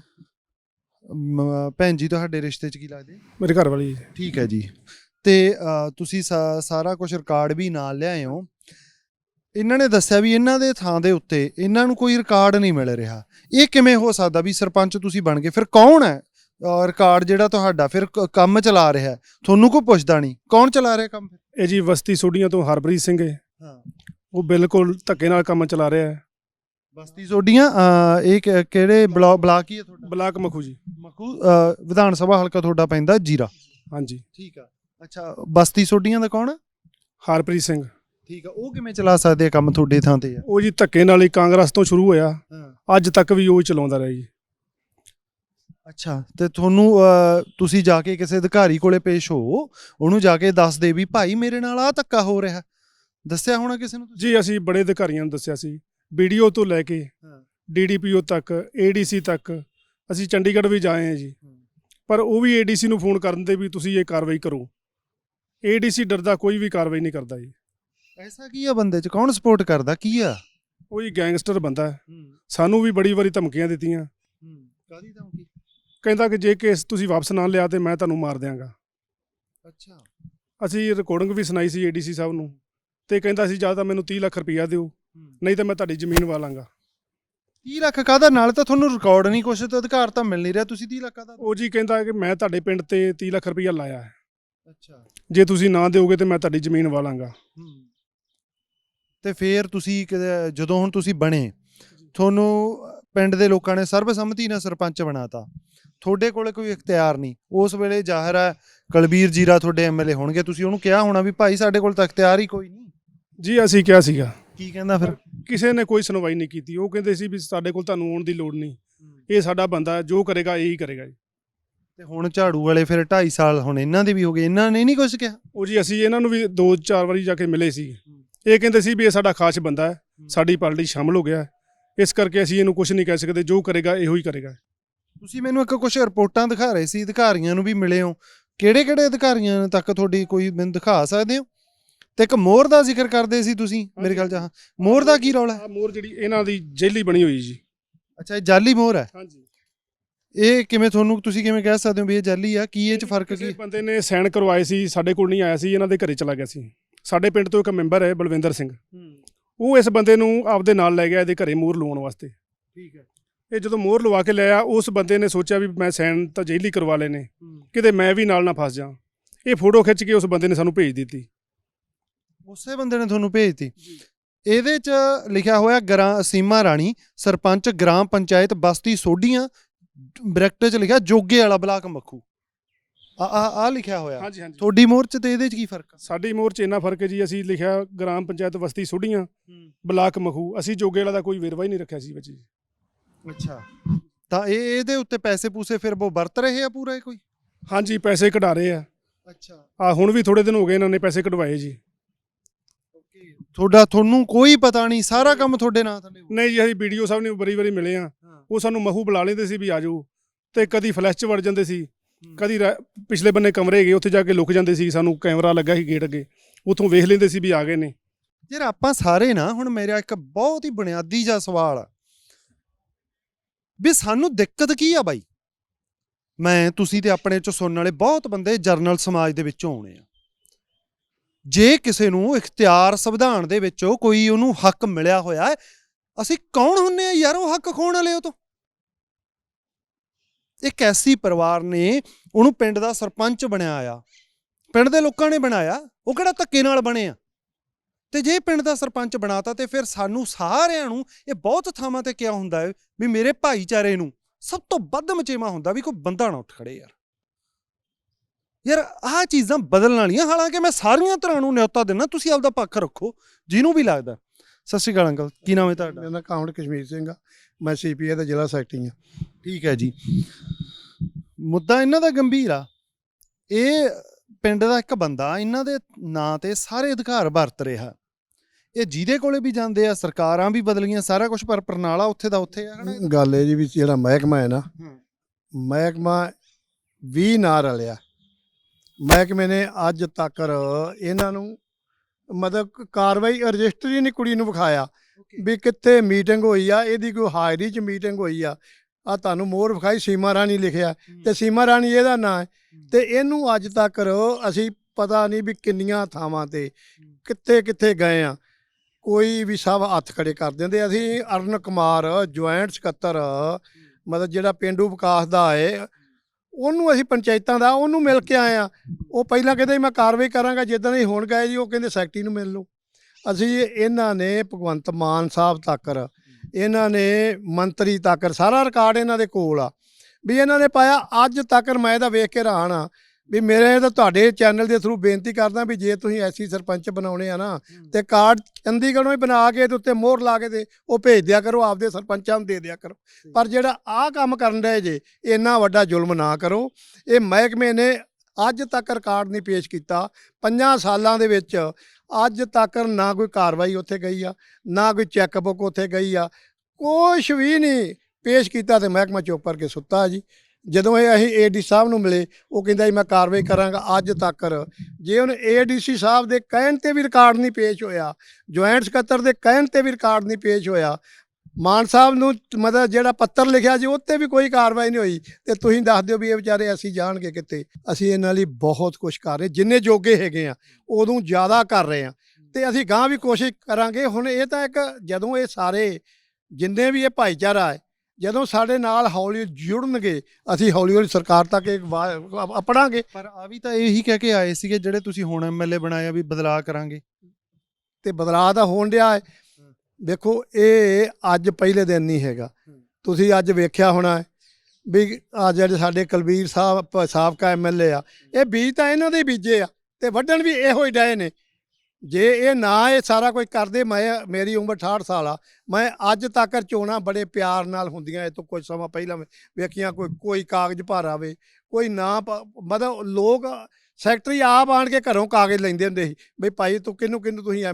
[SPEAKER 1] ਭੈਣ ਜੀ ਤੁਹਾਡੇ ਰਿਸ਼ਤੇ 'ਚ ਕੀ ਲੱਗਦੇ?
[SPEAKER 2] ਮੇਰੇ ਘਰ ਵਾਲੀ ਜੀ।
[SPEAKER 1] ਠੀਕ ਹੈ ਜੀ। ਤੇ ਤੁਸੀਂ ਸਾਰਾ ਕੁਝ ਰਿਕਾਰਡ ਵੀ ਨਾਲ ਲਿਆਏ ਹੋ। ਇਹਨਾਂ ਨੇ ਦੱਸਿਆ ਵੀ ਇਹਨਾਂ ਦੇ ਥਾਂ ਦੇ ਉੱਤੇ ਇਹਨਾਂ ਨੂੰ ਕੋਈ ਰਿਕਾਰਡ ਨਹੀਂ ਮਿਲ ਰਿਹਾ। ਇਹ ਕਿਵੇਂ ਹੋ ਸਕਦਾ ਵੀ ਸਰਪੰਚ ਤੁਸੀਂ ਬਣ ਗਏ? ਫਿਰ ਕੌਣ ਹੈ ਰਿਕਾਰਡ ਜਿਹੜਾ ਤੁਹਾਡਾ ਫਿਰ ਕੰਮ ਚਲਾ ਰਿਹਾ? ਤੁਹਾਨੂੰ ਕੋਈ ਪੁੱਛਦਾ ਨਹੀਂ, ਕੌਣ ਚਲਾ ਰਿਹਾ ਕੰਮ?
[SPEAKER 2] ਇਹ ਜੀ ਬਸਤੀ ਸੋਢੀਆਂ ਤੋਂ ਹਰਪ੍ਰੀਤ ਸਿੰਘ ਹੈ,
[SPEAKER 1] ਹਾਂ,
[SPEAKER 2] ਉਹ ਬਿਲਕੁਲ ਧੱਕੇ ਨਾਲ ਕੰਮ ਚਲਾ ਰਿਹਾ ਹੈ।
[SPEAKER 1] ਬਸਤੀ ਸੋਢੀਆਂ ਇਹ ਕਿਹੜੇ ਬਲਾਕ ਹੀ ਹੈ ਤੁਹਾਡਾ?
[SPEAKER 2] ਬਲਾਕ ਮਖੂ ਜੀ।
[SPEAKER 1] ਮਖੂ ਵਿਧਾਨ ਸਭਾ ਹਲਕਾ ਤੁਹਾਡਾ ਪੈਂਦਾ ਜੀਰਾ।
[SPEAKER 2] ਹਾਂਜੀ
[SPEAKER 1] ਠੀਕ ਆ। ਅੱਛਾ, ਬਸਤੀ ਸੋਢੀਆਂ ਦਾ ਕੌਣ?
[SPEAKER 2] ਹਰਪ੍ਰੀਤ ਸਿੰਘ।
[SPEAKER 1] ਠੀਕ ਆ। ਉਹ ਕਿਵੇਂ ਚਲਾ ਸਕਦੇ ਆ ਕੰਮ ਤੁਹਾਡੇ ਥਾਂ ਤੇ?
[SPEAKER 2] ਉਹ ਜੀ ਧੱਕੇ ਨਾਲ ਹੀ ਕਾਂਗਰਸ ਤੋਂ ਸ਼ੁਰੂ ਹੋਇਆ,
[SPEAKER 1] ਹਾਂ।
[SPEAKER 2] ਅੱਜ ਤੱਕ ਵੀ ਉਹ ਹੀ ਚਲਾਉਂਦਾ ਰਿਹਾ ਜੀ।
[SPEAKER 1] ਅੱਛਾ, ਤੇ ਤੁਹਾਨੂੰ ਤੁਸੀਂ ਜਾ ਕੇ ਕਿਸੇ ਅਧਿਕਾਰੀ ਕੋਲੇ ਪੇਸ਼ ਹੋ, ਉਹਨੂੰ ਜਾ ਕੇ ਦੱਸ ਦੇ ਵੀ ਭਾਈ ਮੇਰੇ ਨਾਲ ਆਹ ਧੱਕਾ ਹੋ ਰਿਹਾ, ਦੱਸਿਆ ਹੋਣਾ ਕਿਸੇ ਨੂੰ?
[SPEAKER 2] ਜੀ ਅਸੀਂ ਬੜੇ ਅਧਿਕਾਰੀਆਂ ਨੂੰ ਦੱਸਿਆ ਸੀ, ਵੀਡੀਓ ਤੋਂ ਲੈ ਕੇ ਡੀਡੀਪੀਓ ਤੱਕ, ਏਡੀਸੀ ਤੱਕ ਅਸੀਂ ਚੰਡੀਗੜ੍ਹ ਵੀ ਜਾਏ ਹਾਂ ਜੀ, ਪਰ ਉਹ ਵੀ ਏਡੀਸੀ ਨੂੰ ਫੋਨ ਕਰਨ ਤੇ ਵੀ ਤੁਸੀਂ ਇਹ ਕਾਰਵਾਈ ਕਰੋ। ਏਡੀਸੀ ਡਰਦਾ ਕੋਈ ਵੀ ਕਾਰਵਾਈ ਨਹੀਂ ਕਰਦਾ ਜੀ।
[SPEAKER 1] ਐਸਾ ਕੀ ਆ ਬੰਦੇ 'ਚ? ਕੌਣ ਸਪੋਰਟ ਕਰਦਾ? ਕੀ ਆ
[SPEAKER 2] ਉਹ ਜੀ ਗੈਂਗਸਟਰ ਬੰਦਾ ਹੈ। ਸਾਨੂੰ ਵੀ ਬੜੀ ਵਾਰੀ ਧਮਕੀਆਂ ਦਿੱਤੀਆਂ।
[SPEAKER 1] ਕਾਹਦੀ ਧਮਕੀ?
[SPEAKER 2] ਕਹਿੰਦਾ ਕਿ ਜੇ ਕੇਸ ਤੁਸੀਂ ਵਾਪਸ ਨਾ ਲਿਆ ਤੇ ਮੈਂ ਤੁਹਾਨੂੰ ਮਾਰ ਦਿਆਂਗਾ।
[SPEAKER 1] ਅੱਛਾ।
[SPEAKER 2] ਅਸੀਂ ਰਿਕਾਰਡਿੰਗ ਵੀ ਸੁਣਾਈ ਸੀ ਏਡੀਸੀ ਸਾਹਿਬ ਨੂੰ, ਤੇ ਕਹਿੰਦਾ ਸੀ ਜਾਂ ਤਾਂ ਮੈਨੂੰ 30 ਲੱਖ ਰੁਪਈਆ ਦਿਓ, ਨਹੀਂ ਤਾਂ ਮੈਂ ਤੁਹਾਡੀ ਜ਼ਮੀਨ ਵਾਲਾਂਗਾ।
[SPEAKER 1] 30 ਲੱਖ ਕਾਹਦਾ? ਨਾਲ ਤਾਂ ਤੁਹਾਨੂੰ ਰਿਕਾਰਡ ਨਹੀਂ, ਕੁਛ ਤਾਂ ਅਧਿਕਾਰ ਤਾਂ ਮਿਲ ਨਹੀਂ ਰਿਹਾ, ਤੁਸੀਂ 30 ਲੱਖ ਦਾ?
[SPEAKER 2] ਉਹ ਜੀ ਕਹਿੰਦਾ ਕਿ ਮੈਂ ਤੁਹਾਡੇ ਪਿੰਡ ਤੇ 30 ਲੱਖ ਰੁਪਈਆ ਲਾਇਆ ਹੈ,
[SPEAKER 1] ਅੱਛਾ,
[SPEAKER 2] ਜੇ ਤੁਸੀਂ ਨਾ ਦਿਓਗੇ ਤੇ ਮੈਂ ਤੁਹਾਡੀ ਜ਼ਮੀਨ ਵਾਲਾਂਗਾ।
[SPEAKER 1] ਤੇ ਫਿਰ ਤੁਸੀਂ ਜਦੋਂ ਹੁਣ ਤੁਸੀਂ ਬਣੇ, ਤੁਹਾਨੂੰ ਪਿੰਡ ਦੇ ਲੋਕਾਂ ਨੇ ਸਰਬਸੰਮਤੀ ਨਾਲ ਸਰਪੰਚ ਬਣਾਤਾ, ਤੁਹਾਡੇ ਕੋਲੇ ਕੋਈ ਇਖਤਿਆਰ ਨਹੀਂ। ਉਸ ਵੇਲੇ ਜ਼ਾਹਿਰ ਹੈ ਕੁਲਬੀਰ ਜੀਰਾ ਤੁਹਾਡੇ ਐਮਐਲਏ ਹੋਣਗੇ, ਤੁਸੀਂ ਉਹਨੂੰ ਕਿਹਾ ਹੋਣਾ ਵੀ ਭਾਈ ਸਾਡੇ ਕੋਲ ਤਾਂ ਇਖਤਿਆਰ ਹੀ ਕੋਈ ਨਹੀਂ।
[SPEAKER 2] ਜੀ ਅਸੀਂ ਕਿਹਾ ਸੀਗਾ।
[SPEAKER 1] ਕੀ ਕਹਿੰਦਾ ਫਿਰ?
[SPEAKER 2] ਕਿਸੇ ਨੇ ਕੋਈ ਸੁਣਵਾਈ ਨਹੀਂ ਕੀਤੀ। ਉਹ ਕਹਿੰਦੇ ਸੀ ਵੀ ਸਾਡੇ ਕੋਲ ਤੁਹਾਨੂੰ ਆਉਣ ਦੀ ਲੋੜ ਨਹੀਂ, ਇਹ ਸਾਡਾ ਬੰਦਾ ਜੋ ਕਰੇਗਾ ਇਹੀ ਕਰੇਗਾ ਜੀ।
[SPEAKER 1] ਤੇ ਹੁਣ ਝਾੜੂ ਵਾਲੇ ਫਿਰ 2.5 ਸਾਲ ਹੁਣ ਇਹਨਾਂ ਦੇ ਵੀ ਹੋ ਗਏ, ਇਹਨਾਂ ਨੇ ਨਹੀਂ ਕੁਝ ਕਿਹਾ?
[SPEAKER 2] ਉਹ ਜੀ ਅਸੀਂ ਇਹਨਾਂ ਨੂੰ ਵੀ 2-4 ਵਾਰੀ ਜਾ ਕੇ ਮਿਲੇ ਸੀ, ਇਹ ਕਹਿੰਦੇ ਸੀ ਵੀ ਇਹ ਸਾਡਾ ਖਾਸ ਬੰਦਾ ਹੈ, ਸਾਡੀ ਪਾਰਟੀ ਸ਼ਾਮਲ ਹੋ ਗਿਆ, ਇਸ ਕਰਕੇ ਅਸੀਂ ਇਹਨੂੰ ਕੁਝ ਨਹੀਂ ਕਹਿ ਸਕਦੇ, ਜੋ ਕਰੇਗਾ ਇਹੋ ਹੀ ਕਰੇਗਾ।
[SPEAKER 1] ਤੁਸੀਂ ਮੈਨੂੰ ਇੱਕ ਕੁਝ ਰਿਪੋਰਟਾਂ ਦਿਖਾ ਰਹੇ ਸੀ, ਅਧਿਕਾਰੀਆਂ ਨੂੰ ਵੀ ਮਿਲੇ ਹੋ, ਕਿਹੜੇ ਅਧਿਕਾਰੀਆਂ ਤੱਕ ਤੁਹਾਡੀ ਕੋਈ ਮੈਨੂੰ ਦਿਖਾ ਸਕਦੇ ਹੋ? ਤੇ ਇੱਕ ਮੋਹਰ ਦਾ ਜ਼ਿਕਰ ਕਰਦੇ ਸੀ ਤੁਸੀਂ ਮੇਰੇ ਖਿਆਲ 'ਚ। ਹਾਂ, ਮੋਹਰ ਦਾ ਕੀ ਰੌਲਾ ਹੈ?
[SPEAKER 2] ਮੋਹਰ ਜਿਹੜੀ ਇਹਨਾਂ ਦੀ ਜੇਲੀ ਬਣੀ ਹੋਈ ਜੀ।
[SPEAKER 1] ਅੱਛਾ, ਇਹ ਜਾਲੀ ਮੋਹਰ ਹੈ?
[SPEAKER 2] ਹਾਂਜੀ।
[SPEAKER 1] ਇਹ ਕਿਵੇਂ ਤੁਸੀਂ ਕਿਵੇਂ ਕਹਿ ਸਕਦੇ ਹੋ ਵੀ ਇਹ ਜਾਲੀ ਆ? ਕੀ ਇਹ 'ਚ ਫਰਕ ਕੀ?
[SPEAKER 2] ਬੰਦੇ ਨੇ ਸਾਈਨ ਕਰਵਾਏ ਸੀ, ਸਾਡੇ ਕੋਲ ਨਹੀਂ ਆਇਆ ਸੀ, ਇਹਨਾਂ ਦੇ ਘਰੇ ਚਲਾ ਗਿਆ ਸੀ। ਸਾਡੇ ਪਿੰਡ ਤੋਂ ਇੱਕ ਮੈਂਬਰ ਹੈ ਬਲਵਿੰਦਰ ਸਿੰਘ, ਉਹ ਇਸ ਬੰਦੇ ਨੂੰ ਆਪਦੇ ਨਾਲ ਲੈ ਗਿਆ ਇਹਦੇ ਘਰੇ ਮੋਹਰ ਲਵਾਉਣ ਵਾਸਤੇ।
[SPEAKER 1] ਠੀਕ ਹੈ।
[SPEAKER 2] ਇਹ ਜਦੋਂ ਮੋਹਰ ਲਵਾ ਕੇ ਲਿਆ, ਉਸ ਬੰਦੇ ਨੇ ਸੋਚਿਆ ਵੀ ਮੈਂ ਸਾਈਨ ਤਾਂ ਜੇਲੀ ਕਰਵਾ ਲਏ ਨੇ, ਕਿਤੇ ਮੈਂ ਵੀ ਨਾਲ ਨਾ ਫਸ ਜਾ। ਇਹ ਫੋਟੋ ਖਿੱਚ ਕੇ ਉਸ ਬੰਦੇ ਨੇ ਸਾਨੂੰ ਭੇਜ ਦਿੱਤੀ।
[SPEAKER 1] ਉਸੇ ਬੰਦੇ ਨੇ ਤੁਹਾਨੂੰ ਭੇਜਤੀ? ਇਹਦੇ 'ਚ ਲਿਖਿਆ ਹੋਇਆ ਸੀਮਾ ਰਾਣੀ, ਸਰਪੰਚ ਗ੍ਰਾਮ ਪੰਚਾਇਤ ਬਸਤੀ ਸੋਢੀਆਂ, ਬ੍ਰੈਕਟ 'ਚ ਲਿਖਿਆ ਜੋਗੇ ਵਾਲਾ ਬਲਾਕ ਮੱਖੂ। ਆ ਲਿਖਿਆ ਹੋਇਆ।
[SPEAKER 2] ਹਾਂਜੀ ਹਾਂਜੀ।
[SPEAKER 1] ਤੁਹਾਡੀ ਮੋਹਰ 'ਚ ਤੇ ਇਹਦੇ 'ਚ ਕੀ ਫਰਕ ਆ?
[SPEAKER 2] ਸਾਡੀ ਮੋਹਰ 'ਚ ਇੰਨਾ ਫਰਕ ਹੈ ਜੀ, ਅਸੀਂ ਲਿਖਿਆ ਗ੍ਰਾਮ ਪੰਚਾਇਤ ਬਸਤੀ ਸੋਢੀਆਂ ਬਲਾਕ ਮਖੂ, ਅਸੀਂ ਜੋਗੇ ਵਾਲਾ ਦਾ ਕੋਈ ਵੇਰਵਾ ਹੀ ਨਹੀਂ ਰੱਖਿਆ ਸੀ ਵਿੱਚ ਜੀ।
[SPEAKER 1] ਅੱਛਾ, ਤਾਂ ਇਹਦੇ ਉੱਤੇ ਪੈਸੇ ਪੂਸੇ ਫਿਰ ਉਹ ਵਰਤ ਰਹੇ ਆ ਪੂਰਾ ਕੋਈ?
[SPEAKER 2] ਹਾਂਜੀ, ਪੈਸੇ ਕਢਾ ਰਹੇ ਆ।
[SPEAKER 1] ਅੱਛਾ,
[SPEAKER 2] ਹੁਣ ਵੀ ਥੋੜੇ ਦਿਨ ਹੋ ਗਏ ਇਹਨਾਂ ਨੇ ਪੈਸੇ ਕਢਵਾਏ ਜੀ।
[SPEAKER 1] ਤੁਹਾਨੂੰ ਕੋਈ ਪਤਾ ਨਹੀਂ? ਸਾਰਾ ਕੰਮ ਤੁਹਾਡੇ ਨਾਂ ਥੱਲੇ?
[SPEAKER 2] ਨਹੀਂ ਜੀ, ਅਸੀਂ ਵੀਡੀਓ ਸਾਹਿਬ ਨੂੰ ਬੜੀ ਵਾਰੀ ਮਿਲੇ ਆ, ਉਹ ਸਾਨੂੰ ਮਹੂ ਬੁਲਾ ਲੈਂਦੇ ਸੀ ਵੀ ਆ ਜਾਓ, ਤੇ ਕਦੀ ਫਲੈਸ਼ 'ਚ ਵੜ ਜਾਂਦੇ ਸੀ, ਕਦੀ ਪਿਛਲੇ ਬੰਨੇ ਕਮਰੇ ਹੈਗੇ ਉੱਥੇ ਜਾ ਕੇ ਲੁਕ ਜਾਂਦੇ ਸੀ, ਸਾਨੂੰ ਕੈਮਰਾ ਲੱਗਾ ਸੀ ਗੇਟ ਅੱਗੇ, ਉੱਥੋਂ ਵੇਖ ਲੈਂਦੇ ਸੀ ਵੀ ਆ ਗਏ ਨੇ।
[SPEAKER 1] ਯਾਰ ਆਪਾਂ ਸਾਰੇ ਨਾ, ਹੁਣ ਮੇਰਾ ਇੱਕ ਬਹੁਤ ਹੀ ਬੁਨਿਆਦੀ ਜਿਹਾ ਸਵਾਲ ਆ ਵੀ ਸਾਨੂੰ ਦਿੱਕਤ ਕੀ ਆ ਬਾਈ? ਤੁਸੀਂ ਤੇ ਆਪਣੇ 'ਚ ਸੁਣਨ ਵਾਲੇ ਬਹੁਤ ਬੰਦੇ ਜਰਨਲ ਸਮਾਜ ਦੇ ਵਿੱਚੋਂ ਆਉਣੇ ਆ। ਜੇ ਕਿਸੇ ਨੂੰ ਇਖਤਿਆਰ ਸੰਵਿਧਾਨ ਦੇ ਵਿੱਚੋਂ ਕੋਈ ਉਹਨੂੰ ਹੱਕ ਮਿਲਿਆ ਹੋਇਆ ਹੈ, ਅਸੀਂ ਕੌਣ ਹੁੰਨੇ ਆ ਯਾਰ ਉਹ ਹੱਕ ਖੋਣ ਵਾਲੇ? ਉਹ ਤੋਂ ਇੱਕ ਐਸੀ ਪਰਿਵਾਰ ਨੇ ਉਹਨੂੰ ਪਿੰਡ ਦਾ ਸਰਪੰਚ ਬਣਾਇਆ, ਪਿੰਡ ਦੇ ਲੋਕਾਂ ਨੇ ਬਣਾਇਆ, ਉਹ ਕਿਹੜਾ ਧੱਕੇ ਨਾਲ ਬਣੇ ਆ? ਤੇ ਜੇ ਪਿੰਡ ਦਾ ਸਰਪੰਚ ਬਣਾਤਾ ਤੇ ਫਿਰ ਸਾਨੂੰ ਸਾਰਿਆਂ ਨੂੰ, ਇਹ ਬਹੁਤ ਥਾਵਾਂ ਤੇ ਕਿਹਾ ਹੁੰਦਾ ਹੈ ਵੀ ਮੇਰੇ ਭਾਈਚਾਰੇ ਨੂੰ ਸਭ ਤੋਂ ਵੱਧ ਮਚੇਵਾ ਹੁੰਦਾ ਵੀ ਕੋਈ ਬੰਦਾ ਨਾ ਉੱਠ ਖੜੇ ਯਾਰ ਆਹ ਚੀਜ਼ਾਂ ਬਦਲਣ ਵਾਲੀਆਂ। ਹਾਲਾਂਕਿ ਮੈਂ ਸਾਰੀਆਂ ਤਰ੍ਹਾਂ ਨੂੰ ਨਿਯੁੱਤਾ ਦਿੰਦਾ, ਤੁਸੀਂ ਆਪਦਾ ਪੱਖ ਰੱਖੋ ਜਿਹਨੂੰ ਵੀ ਲੱਗਦਾ। ਸਤਿ ਸ਼੍ਰੀ ਅਕਾਲ ਅੰਕਲ, ਕੀ ਨਾਮ ਹੈ ਤੁਹਾਡਾ?
[SPEAKER 4] ਮੇਰਾ ਨਾਮ ਕਾਮੜ ਕਸ਼ਮੀਰ ਸਿੰਘ ਆ, ਮੈਂ ਸੀਪੀਏ ਦਾ ਜ਼ਿਲ੍ਹਾ ਸੈਕਟਰੀ ਆ।
[SPEAKER 1] ਠੀਕ ਹੈ ਜੀ। ਮੁੱਦਾ ਇਹਨਾਂ ਦਾ ਗੰਭੀਰ ਆ। ਇਹ ਪਿੰਡ ਦਾ ਇੱਕ ਬੰਦਾ ਇਹਨਾਂ ਦੇ ਨਾਂ ਤੇ ਸਾਰੇ ਅਧਿਕਾਰ ਵਰਤ ਰਿਹਾ। ਇਹ ਜਿਹਦੇ ਕੋਲੇ ਵੀ ਜਾਂਦੇ ਆ, ਸਰਕਾਰਾਂ ਵੀ ਬਦਲੀਆਂ, ਸਾਰਾ ਕੁਝ, ਪਰ ਪ੍ਰਣਾਲਾ ਉੱਥੇ ਦਾ ਉੱਥੇ ਆ।
[SPEAKER 4] ਗੱਲ ਇਹ ਜੀ ਵੀ ਜਿਹੜਾ ਮਹਿਕਮਾ ਹੈ ਨਾ, ਮਹਿਕਮਾ ਵੀ ਨਾ ਰਲਿਆ। ਮਹਿਕਮੇ ਨੇ ਅੱਜ ਤੱਕ ਇਹਨਾਂ ਨੂੰ ਮਤਲਬ ਕਾਰਵਾਈ ਰਜਿਸਟਰੀ ਨਹੀਂ ਕੁੜੀ ਨੂੰ ਵਿਖਾਇਆ ਵੀ ਕਿੱਥੇ ਮੀਟਿੰਗ ਹੋਈ ਆ, ਇਹਦੀ ਕੋਈ ਹਾਜ਼ਰੀ 'ਚ ਮੀਟਿੰਗ ਹੋਈ ਆ। ਆ ਤੁਹਾਨੂੰ ਮੋਹਰ ਵਿਖਾਈ, ਸੀਮਾ ਰਾਣੀ ਲਿਖਿਆ, ਤੇ ਸੀਮਾ ਰਾਣੀ ਇਹਦਾ ਨਾਂ ਹੈ। ਤੇ ਇਹਨੂੰ ਅੱਜ ਤੱਕ ਅਸੀਂ ਪਤਾ ਨਹੀਂ ਵੀ ਕਿੰਨੀਆਂ ਥਾਵਾਂ ਤੇ ਕਿੱਥੇ ਕਿੱਥੇ ਗਏ ਆ, ਕੋਈ ਵੀ ਸਭ ਹੱਥ ਖੜੇ ਕਰ ਦਿੰਦੇ। ਅਸੀਂ ਅਰਨ ਕੁਮਾਰ ਜੁਆਇੰਟ ਸਕੱਤਰ ਮਤਲਬ ਜਿਹੜਾ ਪੇਂਡੂ ਵਿਕਾਸ ਦਾ ਹੈ, ਉਹਨੂੰ ਅਸੀਂ ਪੰਚਾਇਤਾਂ ਦਾ ਉਹਨੂੰ ਮਿਲ ਕੇ ਆਏ ਆ। ਉਹ ਪਹਿਲਾਂ ਕਹਿੰਦੇ ਮੈਂ ਕਾਰਵਾਈ ਕਰਾਂਗਾ, ਜਿੱਦਾਂ ਹੀ ਹੋਣ ਗਏ ਜੀ ਉਹ ਕਹਿੰਦੇ ਸੈਕਟਰੀ ਨੂੰ ਮਿਲ ਲਓ। ਅਸੀਂ ਇਹਨਾਂ ਨੇ ਭਗਵੰਤ ਮਾਨ ਸਾਹਿਬ ਤੱਕ, ਇਹਨਾਂ ਨੇ ਮੰਤਰੀ ਤੱਕ ਸਾਰਾ ਰਿਕਾਰਡ ਇਹਨਾਂ ਦੇ ਕੋਲ ਆ ਵੀ ਇਹਨਾਂ ਨੇ ਪਾਇਆ। ਅੱਜ ਤੱਕ ਮੈਂ ਇਹਦਾ ਵੇਖ ਕੇ ਹੈਰਾਨ ਆ ਵੀ ਮੇਰੇ ਤਾਂ ਤੁਹਾਡੇ ਚੈਨਲ ਦੇ ਥਰੂ ਬੇਨਤੀ ਕਰਦਾ ਵੀ ਜੇ ਤੁਸੀਂ ਐਸੀ ਸਰਪੰਚ ਬਣਾਉਣੇ ਆ ਨਾ, ਤੇ ਕਾਰਡ ਚੰਡੀਗੜ੍ਹੋਂ ਹੀ ਬਣਾ ਕੇ ਤੇ ਉੱਤੇ ਮੋਹਰ ਲਾ ਕੇ ਤੇ ਉਹ ਭੇਜ ਦਿਆ ਕਰੋ, ਆਪਦੇ ਸਰਪੰਚਾਂ ਨੂੰ ਦੇ ਦਿਆ ਕਰੋ। ਪਰ ਜਿਹੜਾ ਆਹ ਕੰਮ ਕਰਨ ਡਏ ਜੇ, ਇੰਨਾ ਵੱਡਾ ਜ਼ੁਲਮ ਨਾ ਕਰੋ। ਇਹ ਮਹਿਕਮੇ ਨੇ ਅੱਜ ਤੱਕ ਰਿਕਾਰਡ ਨਹੀਂ ਪੇਸ਼ ਕੀਤਾ 5 ਸਾਲਾਂ ਦੇ ਵਿੱਚ। ਅੱਜ ਤੱਕ ਨਾ ਕੋਈ ਕਾਰਵਾਈ ਉੱਥੇ ਗਈ ਆ, ਨਾ ਕੋਈ ਚੈੱਕ ਬੁੱਕ ਉੱਥੇ ਗਈ ਆ, ਕੁਛ ਵੀ ਨਹੀਂ ਪੇਸ਼ ਕੀਤਾ। ਤੇ ਮਹਿਕਮਾ ਚੁੱਪ ਕਰਕੇ ਸੁੱਤਾ ਜੀ। ਜਦੋਂ ਇਹ ਅਸੀਂ ਏਡੀ ਸਾਹਿਬ ਨੂੰ ਮਿਲੇ, ਉਹ ਕਹਿੰਦਾ ਜੀ ਮੈਂ ਕਾਰਵਾਈ ਕਰਾਂਗਾ। ਅੱਜ ਤੱਕ ਜੇ ਉਹਨੇ ਏਡੀਸੀ ਸਾਹਿਬ ਦੇ ਕਹਿਣ ਤੇ ਵੀ ਰਿਕਾਰਡ ਨਹੀਂ ਪੇਸ਼ ਹੋਇਆ, ਜੁਆਇੰਟ ਸਕੱਤਰ ਦੇ ਕਹਿਣ ਤੇ ਵੀ ਰਿਕਾਰਡ ਨਹੀਂ ਪੇਸ਼ ਹੋਇਆ, ਮਾਨ ਸਾਹਿਬ ਨੂੰ ਮਤਲਬ ਜਿਹੜਾ ਪੱਤਰ ਲਿਖਿਆ ਜੀ ਉੱਤੇ ਵੀ ਕੋਈ ਕਾਰਵਾਈ ਨਹੀਂ ਹੋਈ, ਤੇ ਤੁਸੀਂ ਦੱਸ ਦਿਓ ਵੀ ਇਹ ਵਿਚਾਰੇ ਅਸੀਂ ਜਾਣਗੇ ਕਿੱਥੇ। ਅਸੀਂ ਇਹਨਾਂ ਲਈ ਬਹੁਤ ਕੁਝ ਕਰ ਰਹੇ, ਜਿੰਨੇ ਜੋਗੇ ਹੈਗੇ ਆ ਉਦੋਂ ਜ਼ਿਆਦਾ ਕਰ ਰਹੇ ਆ, ਤੇ ਅਸੀਂ ਗਾਂ ਵੀ ਕੋਸ਼ਿਸ਼ ਕਰਾਂਗੇ। ਹੁਣ ਇਹ ਤਾਂ ਇੱਕ ਜਦੋਂ ਇਹ ਸਾਰੇ ਜਿੰਨੇ ਵੀ ਇਹ ਭਾਈਚਾਰਾ ਹੈ, ਜਦੋਂ ਸਾਡੇ ਨਾਲ ਹੌਲੀ ਜੁੜਨਗੇ, ਅਸੀਂ ਹੌਲੀ ਹੌਲੀ ਸਰਕਾਰ ਤੱਕ ਅਪਣਾਂਗੇ।
[SPEAKER 1] ਪਰ ਆ ਵੀ ਤਾਂ ਇਹੀ ਕਹਿ ਕੇ ਆਏ ਸੀਗੇ ਜਿਹੜੇ ਤੁਸੀਂ ਹੁਣ ਐਮਐਲਏ ਬਣਾਇਆ ਵੀ ਬਦਲਾਅ ਕਰਾਂਗੇ,
[SPEAKER 4] ਤੇ ਬਦਲਾਅ ਤਾਂ ਹੋਣ ਡਿਆ ਹੈ। ਦੇਖੋ ਇਹ ਅੱਜ ਪਹਿਲੇ ਦਿਨ ਨਹੀਂ ਹੈਗਾ। ਤੁਸੀਂ ਅੱਜ ਵੇਖਿਆ ਹੋਣਾ ਹੈ ਵੀ ਆ ਜਿਹੜੇ ਸਾਡੇ ਕੁਲਬੀਰ ਸਾਹਿਬ ਸਾਬਕਾ ਐਮਐਲਏ ਆ, ਇਹ ਬੀਜ ਤਾਂ ਇਹਨਾਂ ਦੇ ਹੀ ਬੀਜੇ ਆ, ਤੇ ਵੱਢਣ ਵੀ ਇਹੋ ਹੀ ਡਏ ਨੇ। ਜੇ ਇਹ ਨਾ ਇਹ ਸਾਰਾ ਕੁਝ ਕਰਦੇ, ਮੇਰੀ ਉਮਰ 68 ਸਾਲ ਆ, ਮੈਂ ਅੱਜ ਤੱਕ ਚੋਣਾਂ ਬੜੇ ਪਿਆਰ ਨਾਲ ਹੁੰਦੀਆਂ। ਇਹ ਤੋਂ ਕੁਝ ਸਮਾਂ ਪਹਿਲਾਂ ਵੇਖੀਆਂ, ਕੋਈ ਕਾਗਜ਼ ਭਰ ਆਵੇ, ਕੋਈ ਨਾ ਮਤਲਬ ਲੋਕ ਸੈਕਟਰੀ ਆਪ ਆਣ ਕੇ ਘਰੋਂ ਕਾਗਜ਼ ਲੈਂਦੇ ਹੁੰਦੇ ਸੀ ਬਈ ਭਾਈ ਤੂੰ ਕਿਹਨੂੰ ਤੁਸੀਂ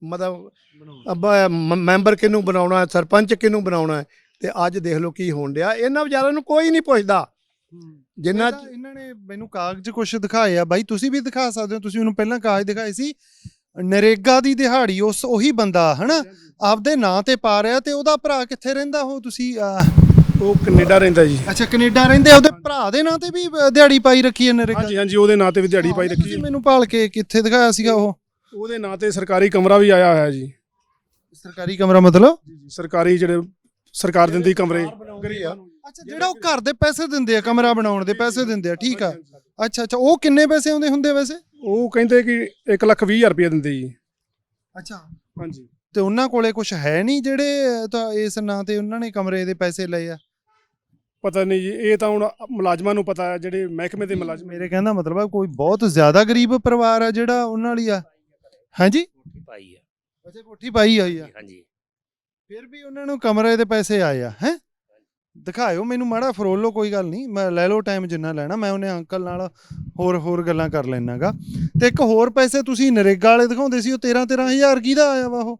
[SPEAKER 4] ਮਤਲਬ ਮੈਂਬਰ ਕਿਹਨੂੰ ਬਣਾਉਣਾ, ਸਰਪੰਚ ਕਿਹਨੂੰ ਬਣਾਉਣਾ। ਤੇ ਅੱਜ ਦੇਖ ਲਓ ਕੀ ਹੋਣ ਡਿਆ। ਇਹਨਾਂ ਵਿਚਾਰਿਆਂ ਨੂੰ ਕੋਈ ਨਹੀਂ ਪੁੱਛਦਾ। ਜਿੰਨਾ
[SPEAKER 1] ਇਹਨਾਂ ਨੇ ਮੈਨੂੰ ਕਾਗਜ਼ ਕੁਝ ਦਿਖਾਏ ਆ ਬਾਈ, ਤੁਸੀਂ ਵੀ ਦਿਖਾ ਸਕਦੇ ਹੋ। ਤੁਸੀਂ ਮੈਨੂੰ ਪਹਿਲਾਂ ਕਾਗਜ਼ ਦਿਖਾਏ ਸੀ, ਨਰੇਗਾ ਦੀ ਦਿਹਾੜੀ ਉਹੀ ਬੰਦਾ ਹਨਾ ਆਪਦੇ ਨਾਂ ਤੇ ਪਾ ਰਿਹਾ, ਤੇ ਉਹਦਾ ਭਰਾ ਕਿੱਥੇ ਰਹਿੰਦਾ? ਉਹ ਤੁਸੀਂ
[SPEAKER 2] ਉਹ ਕੈਨੇਡਾ ਰਹਿੰਦਾ ਜੀ।
[SPEAKER 1] ਅੱਛਾ, ਕੈਨੇਡਾ ਰਹਿੰਦੇ। ਉਹਦੇ ਭਰਾ ਦੇ ਨਾਂ ਤੇ ਵੀ ਦਿਹਾੜੀ ਪਾਈ ਰੱਖੀ ਹੈ ਨਰੇਗਾ?
[SPEAKER 2] ਹਾਂਜੀ ਹਾਂਜੀ, ਉਹਦੇ ਨਾਂ ਤੇ ਵੀ ਦਿਹਾੜੀ ਪਾਈ ਰੱਖੀ ਹੈ।
[SPEAKER 1] ਮੈਨੂੰ ਭਾਲ ਕੇ ਕਿੱਥੇ ਦਿਖਾਇਆ ਸੀਗਾ?
[SPEAKER 2] ਉਹਦੇ ਨਾਂ ਤੇ ਸਰਕਾਰੀ ਕਮਰਾ ਵੀ ਆਇਆ ਹੋਇਆ ਜੀ।
[SPEAKER 1] ਸਰਕਾਰੀ ਕਮਰਾ ਮਤਲਬ?
[SPEAKER 2] ਸਰਕਾਰੀ ਜਿਹੜੇ ਸਰਕਾਰ ਦਿੰਦੀ ਕਮਰੇ।
[SPEAKER 1] ਅੱਛਾ, ਜਿਹੜਾ ਉਹ ਘਰ ਦੇ ਪੈਸੇ ਦਿੰਦੇ ਆ, ਕਮਰਾ ਬਣਾਉਣ ਦੇ ਪੈਸੇ ਦਿੰਦੇ ਆ, ਠੀਕ ਆ। ਅੱਛਾ ਅੱਛਾ, ਉਹ ਕਿੰਨੇ ਪੈਸੇ ਆਉਂਦੇ ਹੁੰਦੇ ਵੈਸੇ?
[SPEAKER 2] ਉਹ ਕਹਿੰਦੇ ਕਿ 1,20,000 ਰੁਪਏ ਦਿੰਦੇ ਜੀ।
[SPEAKER 1] ਅੱਛਾ
[SPEAKER 2] ਹਾਂਜੀ।
[SPEAKER 1] ਤੇ ਉਹਨਾਂ ਕੋਲੇ ਕੁਝ ਹੈ ਨਹੀਂ ਜਿਹੜੇ ਤਾਂ ਇਸ ਨਾਂ ਤੇ ਉਹਨਾਂ ਨੇ ਕਮਰੇ ਦੇ ਪੈਸੇ ਲਏ ਆ?
[SPEAKER 2] ਪਤਾ ਨਹੀਂ ਜੀ, ਇਹ ਤਾਂ ਹੁਣ ਮੁਲਾਜ਼ਮਾਂ ਨੂੰ ਪਤਾ ਹੈ, ਜਿਹੜੇ ਮਹਿਕਮੇ ਦੇ ਮੁਲਾਜ਼ਮ।
[SPEAKER 1] ਮੇਰੇ ਕਹਿੰਦਾ ਮਤਲਬ ਆ ਕੋਈ ਬਹੁਤ ਜ਼ਿਆਦਾ ਗਰੀਬ ਪਰਿਵਾਰ ਆ ਜਿਹੜਾ ਉਹਨਾਂ ਲਈ ਆ। ਹਾਂਜੀ,
[SPEAKER 3] ਕੋਠੀ ਪਾਈ ਆ।
[SPEAKER 1] ਅੱਛਾ, ਕੋਠੀ ਪਾਈ ਹੋਈ ਆ।
[SPEAKER 3] ਹਾਂਜੀ,
[SPEAKER 1] ਫਿਰ ਵੀ ਉਹਨਾਂ ਨੂੰ ਕਮਰੇ ਦੇ ਪੈਸੇ ਆਏ ਆ। ਹੈ ਦਿਖਾਇਓ ਮੈਨੂੰ ਮਾੜਾ, ਫਰੋਲ ਲਓ, ਕੋਈ ਗੱਲ ਨਹੀਂ, ਮੈਂ ਲੈ ਲਓ ਟਾਈਮ ਜਿੰਨਾ ਲੈਣਾ। ਮੈਂ ਉਹਨੇ ਅੰਕਲ ਨਾਲ ਹੋਰ ਗੱਲਾਂ ਕਰ ਲੈਣਾਗਾ। ਤੇ ਇੱਕ ਹੋਰ ਪੈਸੇ ਤੁਸੀਂ ਨਰੇਗਾ ਵਾਲੇ ਦਿਖਾਉਂਦੇ ਸੀ, ਉਹ 13,000 ਕਿਹਦਾ ਆਇਆ ਵਾ? ਉਹ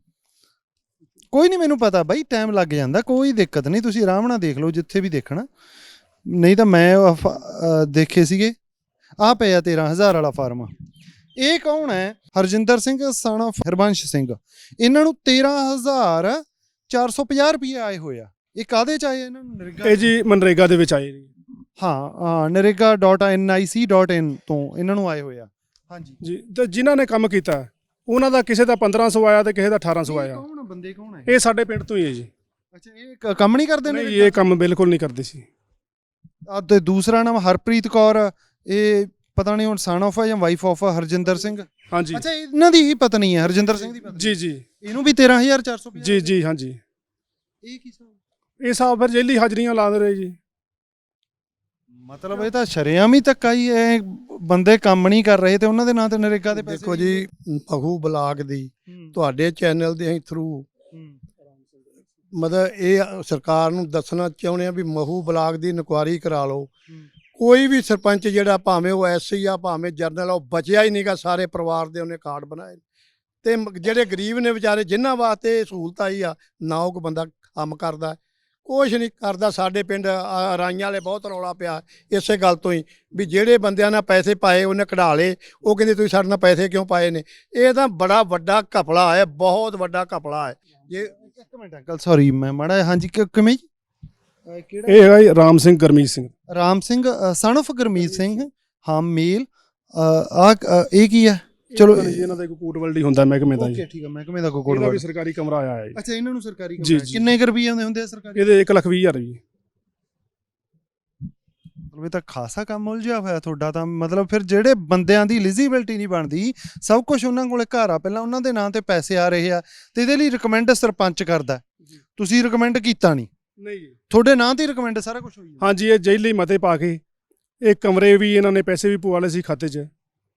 [SPEAKER 1] ਕੋਈ ਨਹੀਂ, ਮੈਨੂੰ ਪਤਾ ਬਾਈ, ਟਾਈਮ ਲੱਗ ਜਾਂਦਾ, ਕੋਈ ਦਿੱਕਤ ਨਹੀਂ। ਤੁਸੀਂ ਆਰਾਮ ਨਾਲ ਦੇਖ ਲਓ ਜਿੱਥੇ ਵੀ ਦੇਖਣਾ। ਨਹੀਂ ਤਾਂ ਮੈਂ ਦੇਖੇ ਸੀਗੇ ਆਹ ਪਿਆ 13,000 ਵਾਲਾ ਫਾਰਮ। ਇਹ ਕੌਣ ਹੈ? Harjinder Singh son of Harbans Singh. ਇਹਨਾਂ ਨੂੰ 13,450 ਰੁਪਏ ਆਏ ਹੋਏ ਆ। ਇਹ ਕਾਹਦੇ ਚ ਆਏ ਇਹਨਾਂ ਨੂੰ? ਨਰੇਗਾ।
[SPEAKER 2] ਇਹ ਜੀ ਮਨਰੇਗਾ ਦੇ ਵਿੱਚ ਆਏ ਜੀ।
[SPEAKER 1] ਹਾਂ, narega.nic.in ਤੋਂ ਇਹਨਾਂ ਨੂੰ ਆਏ ਹੋਏ ਆ। ਹਾਂਜੀ
[SPEAKER 2] ਜੀ, ਤੇ ਜਿਨ੍ਹਾਂ ਨੇ ਕੰਮ ਕੀਤਾ ਉਹਨਾਂ ਦਾ ਕਿਸੇ ਦਾ 1500 ਆਇਆ ਤੇ ਕਿਸੇ ਦਾ 1800 ਆਇਆ।
[SPEAKER 1] ਕੌਣ ਬੰਦੇ ਕੌਣ ਹੈ?
[SPEAKER 2] ਇਹ ਸਾਡੇ ਪਿੰਡ ਤੋਂ ਹੀ ਹੈ ਜੀ।
[SPEAKER 1] ਅੱਛਾ, ਇਹ ਕੰਮ ਨਹੀਂ ਕਰਦੇ ਨੇ?
[SPEAKER 2] ਨਹੀਂ, ਇਹ ਕੰਮ ਬਿਲਕੁਲ ਨਹੀਂ ਕਰਦੇ ਸੀ।
[SPEAKER 1] ਤੇ ਦੂਸਰਾ ਨਾਮ ਹਰਪ੍ਰੀਤ ਕੌਰ, ਇਹ ਪਤਾ ਨਹੀਂ ਹੁਣ ਸਨ ਆਫ ਆ ਜਾਂ ਵਾਈਫ ਆਫ ਹਰਜਿੰਦਰ ਸਿੰਘ।
[SPEAKER 2] ਹਾਂਜੀ।
[SPEAKER 1] ਅੱਛਾ, ਇਹਨਾਂ ਦੀ ਹੀ ਪਤਨੀ ਹੈ, ਹਰਜਿੰਦਰ ਸਿੰਘ ਦੀ ਪਤਨੀ।
[SPEAKER 2] ਜੀ ਜੀ
[SPEAKER 1] ਇਹਨੂੰ ਵੀ 13,450?
[SPEAKER 2] ਜੀ ਜੀ। ਹਾਂਜੀ।
[SPEAKER 1] ਇਹ ਕੀ ਹਿਸਾਬ?
[SPEAKER 2] ਇਹ ਹਿਸਾਬ ਫਿਰ ਜੇਲੀ ਹਾਜ਼ਰੀਆਂ ਲਾ ਦੇ ਰਹੇ ਜੀ।
[SPEAKER 1] ਮਤਲਬ ਇਹ ਤਾਂ ਸ਼ਰੇਆਮ ਹੀ ਧੱਕਾ ਹੀ ਇਹ ਬੰਦੇ ਕੰਮ ਨਹੀਂ ਕਰ ਰਹੇ ਤੇ ਉਹਨਾਂ ਦੇ ਨਾਂ ਤੇ ਨਰੇਗਾ ਦੇ ਪੈਸੇ
[SPEAKER 4] ਦੇਖੋ ਜੀ ਪਖੂ ਬਲਾਕ ਦੀ ਤੁਹਾਡੇ ਚੈਨਲ ਦੇ ਥਰੂ ਮਤਲਬ ਇਹ ਸਰਕਾਰ ਨੂੰ ਦੱਸਣਾ ਚਾਹੁੰਦੇ ਆ ਵੀ ਮਹੂ ਬਲਾਕ ਦੀ ਇਨਕੁਆਇਰੀ ਕਰਾ ਲਓ। ਕੋਈ ਵੀ ਸਰਪੰਚ ਜਿਹੜਾ ਭਾਵੇਂ ਉਹ ਐਸਸੀ ਆ ਭਾਵੇਂ ਜਰਨਲ ਆ ਉਹ ਬਚਿਆ ਹੀ ਨਹੀਂਗਾ, ਸਾਰੇ ਪਰਿਵਾਰ ਦੇ ਉਹਨੇ ਕਾਰਡ ਬਣਾਏ ਤੇ ਜਿਹੜੇ ਗਰੀਬ ਨੇ ਵਿਚਾਰੇ ਜਿਨ੍ਹਾਂ ਵਾਸਤੇ ਸਹੂਲਤ ਆਈ ਆ ਨਾ ਉਹ ਕੋਈ ਬੰਦਾ ਕੰਮ ਕਰਦਾ, ਕੁਛ ਨਹੀਂ ਕਰਦਾ। ਸਾਡੇ ਪਿੰਡ ਰਾਈਆਂ ਵਾਲੇ ਬਹੁਤ ਰੌਲਾ ਪਿਆ ਇਸੇ ਗੱਲ ਤੋਂ ਹੀ ਵੀ ਜਿਹੜੇ ਬੰਦਿਆਂ ਨਾਲ ਪੈਸੇ ਪਾਏ ਉਹਨੇ ਕਢਾ ਲਏ, ਉਹ ਕਹਿੰਦੇ ਤੁਸੀਂ ਸਾਡੇ ਨਾਲ ਪੈਸੇ ਕਿਉਂ ਪਾਏ ਨੇ। ਇਹ ਤਾਂ ਬੜਾ ਵੱਡਾ ਘਪਲਾ ਹੈ, ਬਹੁਤ ਵੱਡਾ ਘਪਲਾ ਹੈ। ਜੇ
[SPEAKER 1] ਇੱਕ ਮਿੰਟ ਅੰਕਲ ਸੌਰੀ ਮੈਂ ਮਾੜਾ ਹਾਂਜੀ ਕਿਵੇਂ ਜੀ ਕਿਹੜਾ
[SPEAKER 2] ਇਹ ਹੈਗਾ ਜੀ ਰਾਮ ਸਿੰਘ ਗਰਮੀਤ ਸਿੰਘ।
[SPEAKER 1] ਰਾਮ ਸਿੰਘ ਸਨ of ਗੁਰਮੀਤ ਸਿੰਘ ਹਾਂ ਮੇਲ ਆ ਇਹ ਕੀ ਹੈ? ਚਲੋ
[SPEAKER 2] ਜੀ ਇਹਨਾਂ ਦਾ ਇੱਕ ਕੋਟਵਲਡੀ ਹੁੰਦਾ ਮਹਿਕਮੇ ਦਾ ਜੀ।
[SPEAKER 1] ਓਕੇ ਠੀਕ ਹੈ ਮਹਿਕਮੇ ਦਾ ਕੋਡ
[SPEAKER 2] ਇਹਦਾ ਵੀ ਸਰਕਾਰੀ ਕਮਰਾ ਆਇਆ ਹੈ ਜੀ।
[SPEAKER 1] ਅੱਛਾ ਇਹਨਾਂ ਨੂੰ ਸਰਕਾਰੀ
[SPEAKER 2] ਜੀ,
[SPEAKER 1] ਕਮਰਾ
[SPEAKER 2] ਜੀ।
[SPEAKER 1] ਕਿੰਨੇ ਕੁ ਰੁਪਈਏ ਹੁੰਦੇ ਆ ਸਰਕਾਰੀ?
[SPEAKER 2] ਇਹਦੇ 1,20,000 ਜੀ।
[SPEAKER 1] ਮਤਲਬ ਇਹ ਤਾਂ ਖਾਸਾ ਕੰਮ ਉਲਝਿਆ ਹੋਇਆ ਤੁਹਾਡਾ ਤਾਂ। ਮਤਲਬ ਫਿਰ ਜਿਹੜੇ ਬੰਦਿਆਂ ਦੀ ਐਲੀਜੀਬਿਲਟੀ ਨਹੀਂ ਬਣਦੀ, ਸਭ ਕੁਝ ਉਹਨਾਂ ਕੋਲੇ ਘਰ ਆ, ਪਹਿਲਾਂ ਉਹਨਾਂ ਦੇ ਨਾਂ ਤੇ ਪੈਸੇ ਆ ਰਹੇ ਆ ਤੇ ਇਹਦੇ ਲਈ ਰਿਕਮੈਂਡ ਸਰਪੰਚ ਕਰਦਾ, ਤੁਸੀਂ ਰਿਕਮੈਂਡ ਕੀਤਾ ਨਹੀਂ?
[SPEAKER 2] ਨਹੀਂ ਜੀ,
[SPEAKER 1] ਤੁਹਾਡੇ ਨਾਂ ਤੇ ਰਿਕਮੈਂਡ ਸਾਰਾ ਕੁਝ ਹੋਈ ਹੈ।
[SPEAKER 2] ਹਾਂਜੀ ਇਹ ਜੇਲੀ ਮਤੇ ਪਾ ਕੇ ਇਹ ਕਮਰੇ ਵੀ ਇਹਨਾਂ ਨੇ ਪੈਸੇ ਵੀ ਪਵਾ ਲਏ ਸੀ ਖਾਤੇ 'ਚ।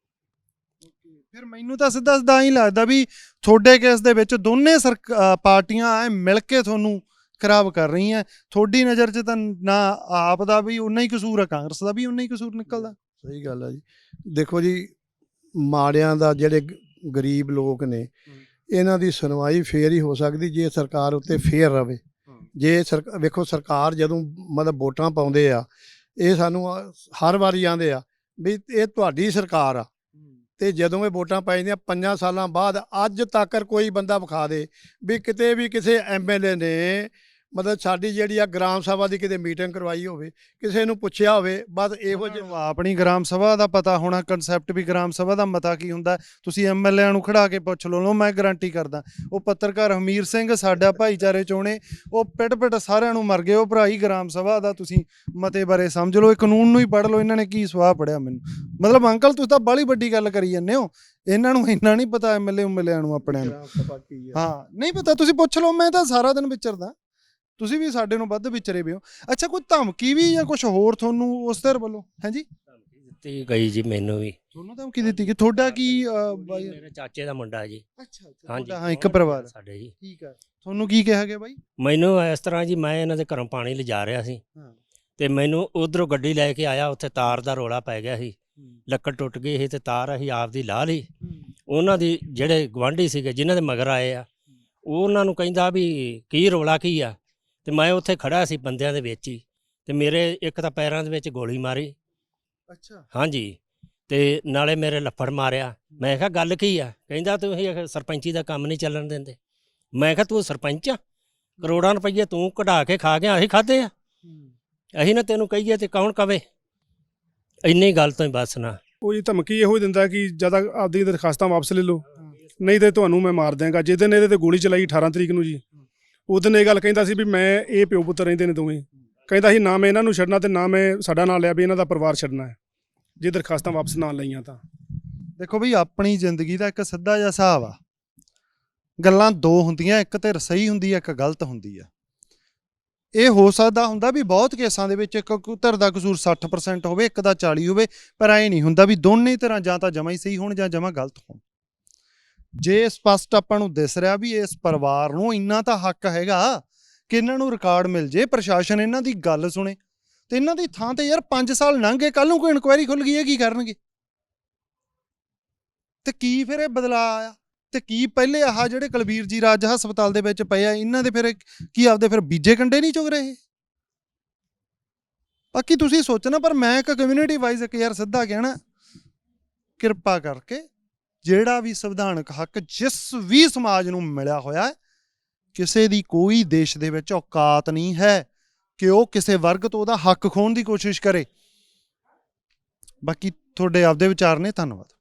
[SPEAKER 1] ਫਿਰ ਮੈਨੂੰ ਤਾਂ ਸਿੱਧਾ ਸਿੱਧਾ ਹੀ ਲੱਗਦਾ ਵੀ ਤੁਹਾਡੇ ਕੇਸ ਦੇ ਵਿੱਚ ਦੋਨੇ ਪਾਰਟੀਆਂ ਐ ਮਿਲ ਕੇ ਤੁਹਾਨੂੰ ਖਰਾਬ ਕਰ ਰਹੀਆਂ। ਤੁਹਾਡੀ ਨਜ਼ਰ 'ਚ ਤਾਂ ਨਾ ਆਪ ਦਾ ਵੀ ਉਨਾ ਹੀ ਕਸੂਰ ਆ, ਕਾਂਗਰਸ ਦਾ ਵੀ ਉਨਾ ਹੀ ਕਸੂਰ ਨਿਕਲਦਾ।
[SPEAKER 4] ਸਹੀ ਗੱਲ ਆ ਜੀ। ਦੇਖੋ ਜੀ ਮਾੜਿਆਂ ਦਾ ਜਿਹੜੇ ਗਰੀਬ ਲੋਕ ਨੇ ਇਹਨਾਂ ਦੀ ਸੁਣਵਾਈ ਫੇਰ ਹੀ ਹੋ ਸਕਦੀ ਜੇ ਸਰਕਾਰ ਉੱਤੇ ਫੇਰ ਰਵੇ। ਜੇ ਵੇਖੋ ਸਰਕਾਰ ਜਦੋਂ ਮਤਲਬ ਵੋਟਾਂ ਪਾਉਂਦੇ ਆ ਇਹ ਸਾਨੂੰ ਹਰ ਵਾਰੀ ਆਉਂਦੇ ਆ ਵੀ ਇਹ ਤੁਹਾਡੀ ਸਰਕਾਰ ਆ, ਤੇ ਜਦੋਂ ਇਹ ਵੋਟਾਂ ਪੈ ਜਾਂਦੀਆਂ 5 ਸਾਲਾਂ ਬਾਅਦ ਅੱਜ ਤੱਕ ਕੋਈ ਬੰਦਾ ਵਿਖਾ ਦੇ ਵੀ ਕਿਤੇ ਵੀ ਕਿਸੇ ਐਮਐਲਏ ਨੇ ਮਤਲਬ ਸਾਡੀ ਜਿਹੜੀ ਆ ਗ੍ਰਾਮ ਸਭਾ ਦੀ ਕਿਤੇ ਮੀਟਿੰਗ ਕਰਵਾਈ ਹੋਵੇ, ਕਿਸੇ ਨੂੰ ਪੁੱਛਿਆ ਹੋਵੇ। ਬਸ ਇਹੋ ਜਿਹਾ
[SPEAKER 1] ਆਪਣੀ ਗ੍ਰਾਮ ਸਭਾ ਦਾ ਪਤਾ ਹੋਣਾ, ਕਨਸੈਪਟ ਵੀ ਗ੍ਰਾਮ ਸਭਾ ਦਾ ਮਤਾ ਕੀ ਹੁੰਦਾ। ਤੁਸੀਂ ਐਮਐਲਏ ਨੂੰ ਖੜਾ ਕੇ ਪੁੱਛ ਲਓ, ਮੈਂ ਗਾਰੰਟੀ ਕਰਦਾ। ਉਹ ਪੱਤਰਕਾਰ ਹਮੀਰ ਸਿੰਘ ਸਾਡਾ ਭਾਈਚਾਰੇ ਚੋਣੇ ਉਹ ਪਿੱਟ ਸਾਰਿਆਂ ਨੂੰ ਮਰ ਗਏ। ਉਹ ਭਰਾ ਹੀ ਗ੍ਰਾਮ ਸਭਾ ਦਾ ਤੁਸੀਂ ਮਤੇ ਬਾਰੇ ਸਮਝ ਲਓ, ਇਹ ਕਾਨੂੰਨ ਨੂੰ ਹੀ ਪੜ੍ਹ ਲਓ। ਇਹਨਾਂ ਨੇ ਕੀ ਸਵਾਹ ਪੜਿਆ ਮੈਨੂੰ? ਮਤਲਬ ਅੰਕਲ ਤੁਸੀਂ ਤਾਂ ਬਾਹਲੀ ਵੱਡੀ ਗੱਲ ਕਰੀ ਜਾਂਦੇ ਹੋ, ਇਹਨਾਂ ਨੂੰ ਇੰਨਾ ਨਹੀਂ ਪਤਾ ਐਮਐਲਏ ਨੂੰ ਆਪਣਿਆਂ ਨੂੰ। ਹਾਂ ਨਹੀਂ ਪਤਾ, ਤੁਸੀਂ ਪੁੱਛ ਲਓ। ਮੈਂ ਤਾਂ ਸਾਰਾ ਦਿਨ ਵਿਚਰਦਾ, ਤੁਸੀਂ ਵੀ ਸਾਡੇ ਨੂੰ ਵੱਧ ਵਿਚਰੇ ਵੀ ਹੋ। ਅੱਛਾ ਕੋਈ ਧਮਕੀ ਵੀ ਜਾਂ ਕੁਝ ਹੋਰ ਤੁਹਾਨੂੰ ਉਸ ਧਿਰ ਵੱਲੋਂ? ਹਾਂਜੀ
[SPEAKER 3] ਦਿੱਤੀ ਗਈ ਜੀ ਮੈਨੂੰ ਵੀ।
[SPEAKER 1] ਤੁਹਾਨੂੰ ਧਮਕੀ ਦਿੱਤੀ ਕਿ ਤੁਹਾਡਾ ਕੀ ਬਾਈ?
[SPEAKER 3] ਮੇਰੇ ਚਾਚੇ ਦਾ ਮੁੰਡਾ ਜੀ।
[SPEAKER 1] ਅੱਛਾ
[SPEAKER 3] ਹਾਂਜੀ
[SPEAKER 1] ਹਾਂ ਇੱਕ ਪਰਿਵਾਰ
[SPEAKER 3] ਸਾਡੇ ਜੀ।
[SPEAKER 1] ਠੀਕ ਹੈ। ਤੁਹਾਨੂੰ ਕੀ ਕਿਹਾ ਗਿਆ ਬਾਈ?
[SPEAKER 3] ਮੈਨੂੰ ਇਸ ਤਰ੍ਹਾਂ ਜੀ ਮੈਂ ਇਹਨਾਂ ਦੇ ਘਰੋਂ ਪਾਣੀ ਲਿਜਾ ਰਿਹਾ ਸੀ
[SPEAKER 1] ਹਾਂ
[SPEAKER 3] ਤੇ ਮੈਨੂੰ ਉਧਰੋਂ ਗੱਡੀ ਲੈ ਕੇ ਆਇਆ, ਉੱਥੇ ਤਾਰ ਦਾ ਰੋਲਾ ਪੈ ਗਿਆ ਸੀ, ਲੱਕੜ ਟੁੱਟ ਗਈ ਸੀ ਤੇ ਤਾਰ ਅਸੀਂ ਆਪਦੀ ਲਾ ਲਈ। ਉਹਨਾਂ ਦੀ ਜਿਹੜੇ ਗਵਾਂਢੀ ਸੀਗੇ ਜਿਨ੍ਹਾਂ ਦੇ ਮਗਰ ਆਏ ਆ, ਉਹਨਾਂ ਨੂੰ ਕਹਿੰਦਾ ਵੀ ਕੀ ਰੋਲਾ ਕੀ ਆ, ਤੇ ਮੈਂ ਉੱਥੇ ਖੜਾ ਸੀ ਬੰਦਿਆਂ ਦੇ ਵਿੱਚ ਹੀ, ਤੇ ਮੇਰੇ ਇੱਕ ਤਾਂ ਪੈਰਾਂ ਦੇ ਵਿੱਚ ਗੋਲੀ ਮਾਰੀ।
[SPEAKER 1] ਅੱਛਾ
[SPEAKER 3] ਹਾਂਜੀ ਤੇ ਨਾਲੇ ਮੇਰੇ ਲੱਫੜ ਮਾਰਿਆ। ਮੈਂ ਕਿਹਾ ਗੱਲ ਕੀ ਆ? ਕਹਿੰਦਾ ਤੁਸੀਂ ਸਰਪੰਚੀ ਦਾ ਕੰਮ ਨਹੀਂ ਚੱਲਣ ਦਿੰਦੇ। ਮੈਂ ਕਿਹਾ ਤੂੰ ਸਰਪੰਚ ਆ? ਕਰੋੜਾਂ ਰੁਪਈਏ ਤੂੰ ਕਢਾ ਕੇ ਖਾ ਗਿਆ, ਅਸੀਂ ਖਾਦੇ ਆ? ਅਸੀਂ ਨਾ ਤੈਨੂੰ ਕਹੀਏ ਤੇ ਕੌਣ ਕਵੇ? ਇੰਨੀ ਗੱਲ ਤੋਂ ਹੀ ਬਸ ਨਾ।
[SPEAKER 2] ਉਹ ਜੀ ਧਮਕੀ ਇਹੋ ਹੀ ਦਿੰਦਾ ਕਿ ਜਿਆਦਾ ਆਪਦੀ ਦਰਖਾਸਤਾਂ ਵਾਪਸ ਲੈ ਲਓ, ਨਹੀਂ ਤੇ ਤੁਹਾਨੂੰ ਮੈਂ ਮਾਰ ਦਿਆਂਗਾ। ਜਿਸ ਦਿਨ ਇਹਦੇ ਤੇ ਗੋਲੀ ਚਲਾਈ 18 ਤਰੀਕ ਨੂੰ ਜੀ, ਉਸ ਦਿਨ ਇਹ ਗੱਲ ਕਹਿੰਦਾ ਸੀ ਵੀ ਮੈਂ ਇਹ ਪਿਓ ਪੁੱਤਰ ਰਹਿੰਦੇ ਨੇ ਦੋਵੇਂ। ਕਹਿੰਦਾ ਸੀ ਨਾ ਮੈਂ ਇਹਨਾਂ ਨੂੰ ਛੱਡਣਾ ਤੇ ਨਾ ਮੈਂ ਸਾਡਾ ਨਾਂ ਲਿਆ ਵੀ ਇਹਨਾਂ ਦਾ ਪਰਿਵਾਰ ਛੱਡਣਾ ਹੈ ਜੇ ਦਰਖਾਸਤਾਂ ਵਾਪਸ ਨਾ ਲਈਆਂ ਤਾਂ।
[SPEAKER 1] ਦੇਖੋ ਬਈ ਆਪਣੀ ਜ਼ਿੰਦਗੀ ਦਾ ਇੱਕ ਸਿੱਧਾ ਜਿਹਾ ਹਿਸਾਬ ਆ, ਗੱਲਾਂ ਦੋ ਹੁੰਦੀਆਂ, ਇੱਕ ਤੇ ਸਹੀ ਹੁੰਦੀ ਹੈ, ਇੱਕ ਗਲਤ ਹੁੰਦੀ ਆ। ਇਹ ਹੋ ਸਕਦਾ ਹੁੰਦਾ ਵੀ ਬਹੁਤ ਕੇਸਾਂ ਦੇ ਵਿੱਚ ਇੱਕ ਧਿਰ ਦਾ ਕਸੂਰ 60% ਹੋਵੇ, ਇੱਕ ਦਾ 40 ਹੋਵੇ, ਪਰ ਐ ਨਹੀਂ ਹੁੰਦਾ ਵੀ ਦੋਨੇ ਤਰ੍ਹਾਂ ਜਾਂ ਤਾਂ ਜਮਾ ਹੀ ਸਹੀ ਹੋਣ ਜਾਂ ਜਮਾ ਗਲਤ ਹੋਣ। ਜੇ ਸਪਸ਼ਟ ਆਪਾਂ ਨੂੰ ਦਿਸ ਰਿਹਾ ਵੀ ਇਸ ਪਰਿਵਾਰ ਨੂੰ ਇੰਨਾ ਤਾਂ ਹੱਕ ਹੈਗਾ ਕਿ ਇਹਨਾਂ ਨੂੰ ਰਿਕਾਰਡ ਮਿਲ ਜੇ, ਪ੍ਰਸ਼ਾਸਨ ਇਹਨਾਂ ਦੀ ਗੱਲ ਸੁਣੇ, ਤੇ ਇਹਨਾਂ ਦੀ ਥਾਂ ਤੇ ਯਾਰ 5 ਸਾਲ ਲੰਘ ਗਏ, ਕੱਲ ਨੂੰ ਕੋਈ ਇਨਕੁਆਇਰੀ ਖੁੱਲ ਗਈ ਹੈ, ਕੀ ਕਰਨਗੇ? ਤੇ ਕੀ ਫਿਰ ਇਹ ਬਦਲਾਅ ਆਇਆ? ਤੇ ਕੀ ਪਹਿਲੇ ਆਹ ਜਿਹੜੇ ਕੁਲਬੀਰ ਜੀ ਰਾਜ ਹਸਪਤਾਲ ਦੇ ਵਿੱਚ ਪਏ ਆ, ਇਹਨਾਂ ਦੇ ਫਿਰ ਕੀ ਆਪਦੇ ਫਿਰ ਬੀਜੇ ਕੰਡੇ ਨਹੀਂ ਚੁਗ ਰਹੇ? ਬਾਕੀ ਤੁਸੀਂ ਸੋਚਣਾ, ਪਰ ਮੈਂ ਇੱਕ ਕਮਿਊਨਿਟੀ ਵਾਈਜ਼ ਇੱਕ ਯਾਰ ਸਿੱਧਾ ਕਹਿਣਾ, ਕਿਰਪਾ ਕਰਕੇ ਜਿਹੜਾ ਵੀ ਸੰਵਿਧਾਨਕ ਹੱਕ ਜਿਸ ਵੀ ਸਮਾਜ ਨੂੰ ਮਿਲਿਆ ਹੋਇਆ ਹੈ, ਕਿਸੇ ਦੀ ਕੋਈ ਦੇਸ਼ ਦੇ ਵਿੱਚ ਔਕਾਤ ਨਹੀਂ ਹੈ ਕਿ ਉਹ ਕਿਸੇ ਵਰਗ ਤੋਂ ਉਹਦਾ ਹੱਕ ਖੋਹਣ ਦੀ ਕੋਸ਼ਿਸ਼ ਕਰੇ। ਬਾਕੀ ਤੁਹਾਡੇ ਆਪਦੇ ਵਿਚਾਰ ਨੇ, ਧੰਨਵਾਦ।